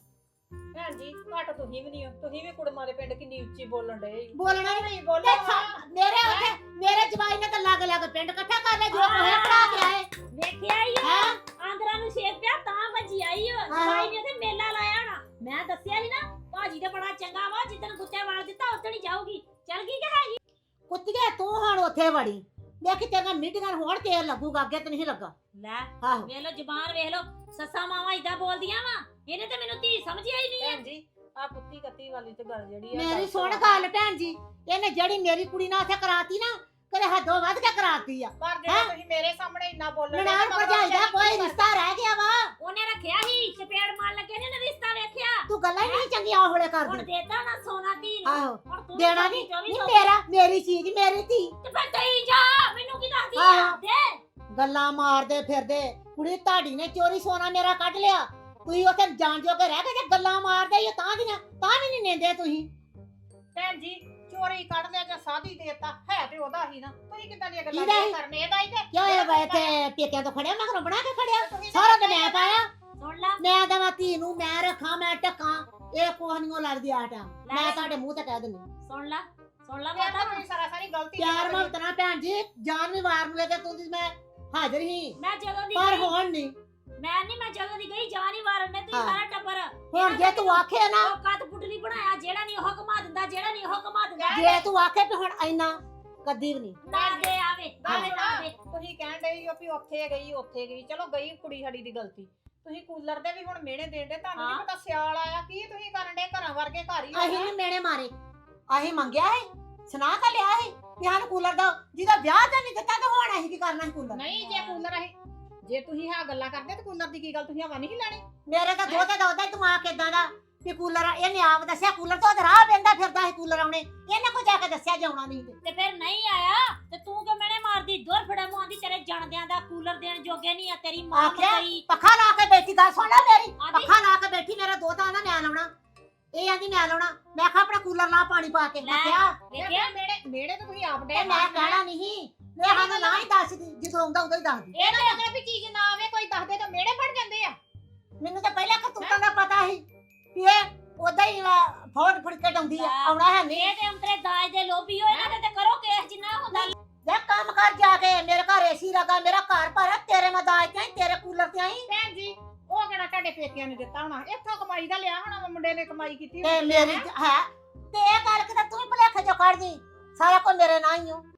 Speaker 3: ਭੈਣ ਜੀ ਘੱਟ ਤੁਸੀਂ ਵੀ ਨਹੀਂ ਹੋ ਤੁਸੀਂ ਵੀ ਕੁੜਮਾਂ ਦੇ ਪਿੰਡ ਕਿੰਨੀ ਉੱਚੀ ਬੋਲਣ ਡਏ
Speaker 2: ਬੋਲਣਾ
Speaker 3: ਨਹੀਂ
Speaker 2: ਤੇ
Speaker 3: ਬੋਲੋ
Speaker 2: ਸਾ- ਮੇਰੇ ਉੱਥੇ ਮੇਰੇ ਜਵਾਈ ਨੇ ਤਾਂ ਲੱਗ ਲੱਗ ਪਿੰਡ ਇਕੱਠਾ ਕਰ ਲਿਆ ਜੋ ਕੋਹੇ ਪੜਾ ਕੇ ਆਏ
Speaker 4: ਵੇਖਿਆ ਹੀ ਆ
Speaker 2: ਹੈ
Speaker 4: ਆਂਦਰਾਂ ਨੂੰ ਛੇਕ ਪਿਆ ਤਾਂ ਭੱਜੀ ਆਈ ਓ ਸਾਈ ਨੇ ਤੇ ਮੇਲਾ ਲਾਇਆ ਨਾ ਮੈਂ ਦੱਸਿਆ ਸੀ ਨਾ ਭਾਜੀ ਤੇ ਬੜਾ ਚੰਗਾ ਵਾ ਜਿੱਦਣ ਕੁੱਤੇ ਵਾਲ ਦਿੱਤਾ ਉਦੋਂ ਹੀ ਜਾਊਗੀ ਚੱਲ ਗਈ ਕਿ ਹੈਗੀ
Speaker 2: ਕੁੱਤੀਏ ਤੂੰ ਹੁਣ ਉੱਥੇ ਵੜੀ ਵੇਖ ਤੇਰੀਆਂ ਮੀਟਿੰਗਾਂ ਹੋਣ ਤੇ ਲੱਗੂਗਾ ਅੱਗੇ ਤੇ ਨਹੀਂ ਲੱਗਾ
Speaker 4: ਲੈ
Speaker 2: ਆਹੋ
Speaker 4: ਵੇਖ ਲੋ ਜ਼ਬਾਨ ਵੇਖ ਲੋ ਸੱਸਾਂ ਮਾਵਾਂ ਇਦਾਂ ਬੋਲਦੀਆਂ ਵਾ ਇਹਨੇ ਤੇ ਮੈਨੂੰ ਧੀ ਸਮਝਿਆ ਹੀ ਨਹੀਂ ਆ
Speaker 3: ਭੈਣ ਜੀ ਆ ਪੁੱਤੀ ਕੱਤੀ ਵਾਲੀ ਤੇ ਗੱਲ ਜਿਹੜੀ ਆ
Speaker 2: ਮੇਰੀ
Speaker 3: ਗਲਤ
Speaker 2: ਸੁਣ
Speaker 3: ਵਾ।
Speaker 2: ਗੱਲ ਭੈਣ ਜੀ ਇਹਨੇ ਜਿਹੜੀ ਮੇਰੀ ਕੁੜੀ ਨਾਲ ਉੱਥੇ ਕਰਾਤੀ ਨਾ ਕਦੇ ਹੱਦੋਂ ਵੱਧ ਕੇ ਕਰਾਤੀ ਆ
Speaker 3: ਪਰ ਜਿਹੜਾ ਤੁਸੀਂ ਮੇਰੇ ਸਾਹਮਣੇ ਇੰਨਾ ਬੋਲਣ ਡਏ
Speaker 2: ਨਨਾਣ
Speaker 3: ਨਾ,
Speaker 2: ਭਰਜਾਈ ਦਾ
Speaker 3: ਮਗਰੋਂ
Speaker 2: ਕੋਈ ਰਿਸ਼ਤਾ ਰਹਿ ਗਿਆ ਵਾ
Speaker 4: ਉਹਨੇ ਰੱਖਿਆ ਸੀ ਚਪੇੜ ਮਾਰ ਲੱਗੇ ਨੇ ਉਹਨੇ ਰਿਸ਼ਤਾ ਵੇਖਿਆ
Speaker 2: ਤੂੰ ਗੱਲਾਂ ਹੀ ਨਹੀਂ ਚੰਗੀਆਂ ਹੋਲੇ
Speaker 4: ਹੁਣ
Speaker 2: ਕਰਦੀ
Speaker 4: ਦੇਤਾ ਨਾ ਸੋਨਾ ਧੀ ਨੂੰ
Speaker 2: ਆਹੋ
Speaker 4: ਹੁਣ ਤੂੰ
Speaker 2: ਦੇਣਾ
Speaker 4: ਵੀ
Speaker 2: ਨਹੀਂ
Speaker 4: ਚੌਵੀ
Speaker 2: ਨਹੀਂ
Speaker 4: ਸੌ
Speaker 2: ਮੇਰਾ ਮੇਰੀ ਚੀਜ਼ ਮੇਰੀ ਧੀ
Speaker 4: ਤੇ ਫਿਰ ਤਈ ਜਾ ਮੈਨੂੰ ਕੀ ਦੱਸਦੀ ਆ
Speaker 2: ਆਹੋ।
Speaker 4: ਦੇ
Speaker 2: ਗੱਲਾਂ ਮਾਰਦੇ ਫਿਰਦੇ ਕੁੜੀ ਤੁਹਾਡੀ ਨੇ ਚੋਰੀ ਸੋਨਾ ਮੇਰਾ ਕੱਢ ਲਿਆ ਤੁਸੀਂ ਉੱਥੇ ਜਾਣ ਜੋਗੇ ਰਹਿ ਗਏ ਜੇ ਗੱਲਾਂ ਮਾਰਦੇ ਹੀ ਹੋ ਤਾਂ ਦੀਆਂ ਤਾਂ ਵੀ ਨਹੀਂ ਨਿੰਦੇ ਤੁਸੀਂ
Speaker 3: ਭੈਣ ਜੀ ਚੋਰੀ ਕੱਢ ਲਿਆ ਜਾਂ ਸਾਦੀ ਦੇਤਾ ਹੈ ਤੇ ਉਹਦਾ ਹੀ ਨਾ ਤੁਸੀਂ ਕਿੱਦਾਂ ਦੀਆਂ ਗੱਲਾਂ
Speaker 2: ਕਿਹਦਾ ਸੀ?
Speaker 3: ਕਰਨੇ ਇਹਦਾ ਹੀ ਤੇ
Speaker 2: ਕਿਉਂ ਇਹ ਵੇ ਤੇ ਪੇਕਿਆਂ ਤੋਂ ਖੜਿਆ ਮਗਰੋਂ ਬਣਾ ਕੇ ਖੜਿਆ ਸਾਰਾ ਤੇ ਮੈਂ ਪਾਇਆ
Speaker 4: ਸੁਣ ਲਾ
Speaker 2: ਮੈਂ ਦਵਾ ਧੀ ਨੂੰ ਮੈਂ ਰੱਖਾਂ ਮੈਂ ਟਕਾਂ ਇਹ ਕੋਹ ਨਹੀਂ ਲੱਗਦੀ ਆ ਟਾਈਮ ਮੈਂ ਤੁਹਾਡੇ ਮੂੰਹ ਤੇ ਕਹਿ ਦਿੰਦੀ
Speaker 4: ਸੁਣ ਲਾ ਸੁਣ ਲਾ
Speaker 3: ਇਹ
Speaker 4: ਮਾਤਾ
Speaker 3: ਤਾਂ ਤੁਸੀਂ ਸਾਰਾ ਸਾਰੀ ਗਲਤੀ
Speaker 2: ਪਿਆਰ
Speaker 3: ਕੀਤੀ।
Speaker 2: ਮੁਹੱਬਤ ਨਾਲ ਭੈਣ ਜੀ ਜਾਨ ਵੀ ਵਾਰ ਨੂੰ ਲੈ ਕੇ ਤੂੰ ਮੈਂ ਹਾਜ਼ਰ ਹੀ
Speaker 4: ਮੈਂ ਜਦੋਂ ਦੀ
Speaker 2: ਪਰ
Speaker 4: ਗਈ
Speaker 2: ਹੁਣ ਨਹੀਂ
Speaker 4: ਮੈਂ ਨਹੀਂ ਮੈਂ ਜਦੋਂ ਦੀ ਗਈ ਜਾਨ ਹੀ ਮਾਰਨ ਨੇ ਤੁਸੀਂ
Speaker 2: ਹਾਂ।
Speaker 4: ਸਾਰਾ ਟੱਬਰ
Speaker 2: ਹੁਣ ਜੇ ਤੂੰ ਆਖੇ ਨਾ
Speaker 4: ਉਹ ਕੱਤ ਪੁੱਟਲੀ ਬਣਾਇਆ ਜਿਹੜਾ ਨਹੀਂ ਉਹ ਘੁਮਾ ਦਿੰਦਾ ਜਿਹੜਾ ਨਹੀਂ ਉਹ ਘੁਮਾ ਦਿੰਦਾ
Speaker 2: ਜੇ ਤੂੰ ਆਖੇ ਵੀ ਹੁਣ ਇੰਨਾ ਕਦੀ ਵੀ ਨਹੀਂ
Speaker 4: ਨਾ ਦੇ ਆਵੇ ਆਵੇ ਨਾ ਦੇ
Speaker 3: ਤੁਸੀਂ ਕਹਿਣ ਡਏ ਹੋ ਵੀ ਉੱਥੇ ਗਈ ਉੱਥੇ ਗਈ ਚਲੋ ਗਈ ਕੁੜੀ ਸਾਡੀ ਦੀ ਗਲਤੀ ਤੁਸੀਂ ਕੂਲਰ ਦੇ ਵੀ ਹੁਣ ਮਿਹਣੇ ਦੇਣ ਦੇ ਤੁਹਾਨੂੰ ਨਹੀਂ
Speaker 4: ਹਾਂ।
Speaker 3: ਪਤਾ ਸਿਆਲ ਆਇਆ ਕੀ ਤੁਸੀਂ ਕਰਨ ਦੇ ਘਰਾਂ ਵਰਗੇ ਘਰ ਹੀ
Speaker 2: ਅਸੀਂ
Speaker 3: ਹੋਣਾ।
Speaker 2: ਨੀ ਮੇਣੇ ਮਾਰੇ ਅਸੀਂ ਮੰਗਿਆ ਹੈ ਸੁਣਾ ਕਾ ਲਿਆ ਹੈ ਵੀ ਸਾਨੂੰ ਕੂਲਰ ਦਾ ਜਿਹਦਾ ਵਿਆਹ ਤਾਂ ਨਹੀਂ ਦਿੱਤਾ ਤਾਂ ਹੁਣ ਅਸੀਂ ਕੀ ਕਰਨਾ ਹੈ ਕੂਲਰ
Speaker 3: ਨਹੀਂ ਜੇ ਕੂਲਰ ਆਏ ਜੇ ਤੁਸੀਂ ਹਾਂ ਗੱਲਾਂ ਕਰਦੇ ਤਾਂ ਕੂਲਰ ਦੀ ਕੀ ਗੱਲ ਤੁਸੀਂ ਹਵਾ ਨਹੀਂ ਲੈਣੀ
Speaker 2: ਮੇਰੇ ਤਾਂ ਦੋਤੇ ਦਾ ਉਹਦਾ ਹੀ ਦਿਮਾਗ ਏਦਾਂ ਦਾ ਵੀ ਕੂਲਰ ਇਹਨੇ ਆਪ ਦੱਸਿਆ ਕੂਲਰ ਤੋਂ ਉਹਦੇ ਰਾਹ ਪੈਂਦਾ ਫਿਰਦਾ ਸੀ ਕੂਲਰ ਆਉਣੇ ਇਹਨੇ ਕੋਈ ਜਾ ਕੇ ਦੱਸਿਆ ਜਾਉਣਾ ਨਹੀਂ ਤੇ
Speaker 4: ਤੇ ਫਿਰ ਨਹੀਂ ਆਇਆ ਤੇ ਤੂੰ ਕਿ ਮੈਨੇ ਮਾਰਦੀ ਦੋਰ ਫੜਾ ਮੂੰਹ ਆਂਦੀ ਤੇਰੇ ਜਣਦਿਆਂ ਦਾ ਕੂਲਰ ਦੇਣ ਜੋਗੇ ਨਹੀਂ ਆ ਤੇਰੀ ਮਾਂ
Speaker 2: ਆਖਿਆ?
Speaker 4: ਮਰੀ
Speaker 2: ਪੱਖਾ ਲਾ ਕੇ ਬੈਠੀ ਗੱਲ ਸੁਣ ਲੈ ਮੇਰੀ
Speaker 4: ਆਂਦੀ
Speaker 2: ਪੱਖਾ ਲਾ ਕੇ ਬੈਠੀ ਮੇਰਾ ਦੋਤਾ ਆਂਦਾ ਮੈਂ ਲਾਉਣਾ ਇਹ ਆਂਦੀ ਮੈਂ ਲਾਉਣਾ ਮੈਂ ਕਿਹਾ ਆਪਣਾ ਕੂਲਰ ਲਾ ਪਾਣੀ ਪਾ ਕੇ ਮੈਂ
Speaker 4: ਲੈ।
Speaker 2: ਕਿਹਾ
Speaker 4: ਵੇਖਿਆ
Speaker 3: ਮੇੜੇ ਮੇੜੇ ਤੇ ਤੁਸੀਂ ਆਪ ਡੇ
Speaker 2: ਇਹ ਮੈਂ ਕਹਿਣਾ ਨਹੀਂ ਮੈਂ ਸਾਨੂੰ ਨਾ ਹੀ ਦੱਸਦੀ ਜਦੋਂ ਆਉਂਦਾ ਉਦੋਂ ਹੀ ਦੱਸਦੀ
Speaker 3: ਇਹ ਤਾਂ ਅਗਰ ਵੀ ਚੀਜ਼ ਨਾ ਆਵੇ ਕੋਈ ਦੱਸ ਦੇ ਤਾਂ ਮੇੜੇ ਫੜ ਜਾਂਦੇ ਆ
Speaker 2: ਮੈਨੂੰ ਤਾਂ ਪਹਿਲਾਂ ਕਰਤੂਤਾਂ ਦਾ ਪਤਾ ਸੀ ਵੀ ਇਹ ਉਦਾਂ ਹੀ ਫੋੜ ਫੜ ਕੇ ਡਾਉਂਦੀ ਆ ਆਉਣਾ ਹੈ ਨਹੀਂ
Speaker 4: ਇਹ ਤੇ ਅੰਤਰੇ ਦਾਜ ਦੇ ਲੋਭੀ ਹੋਏ ਨਾ ਤੇ ਕਰੋ ਕੇਸ ਜਿੰਨਾ ਹੁੰਦਾ
Speaker 2: ਜਾ ਕੰਮ ਕਰ ਜਾ ਕੇ ਮੇਰੇ ਘਰ ਏਸੀ ਲੱਗਾ ਮੇਰਾ ਘਰ ਭਰ ਤੇਰੇ ਮੈਂ ਦਾਜ ਤੇ ਆਈ ਤੇਰੇ ਕੂਲਰ ਤੇ ਆਈ
Speaker 3: ਭੈਣ ਜੀ ਉਹ ਕਿਹੜਾ ਤੁਹਾਡੇ ਪੇਕਿਆਂ ਨੇ ਦਿੱਤਾ ਹੋਣਾ ਇੱਥੋਂ ਕਮਾਈ ਦਾ ਲਿਆ ਹੋਣਾ ਵਾ, ਮੁੰਡੇ ਨੇ ਕਮਾਈ ਕੀਤੀ
Speaker 2: ਤੇ
Speaker 3: ਹੋਣੀ
Speaker 2: ਮੇਰੀ
Speaker 3: ਹੈ।
Speaker 2: ਹੈ ਤੇ ਇਹ ਗੱਲ ਕਿਤੇ ਤੂੰ ਹੀ ਭੁਲੇਖੇ ਚੋਂ ਕੱਢ ਦੀ ਸਾਰਾ ਕੁਝ ਮੇਰੇ ਨਾਲ ਹੀ ਹੋ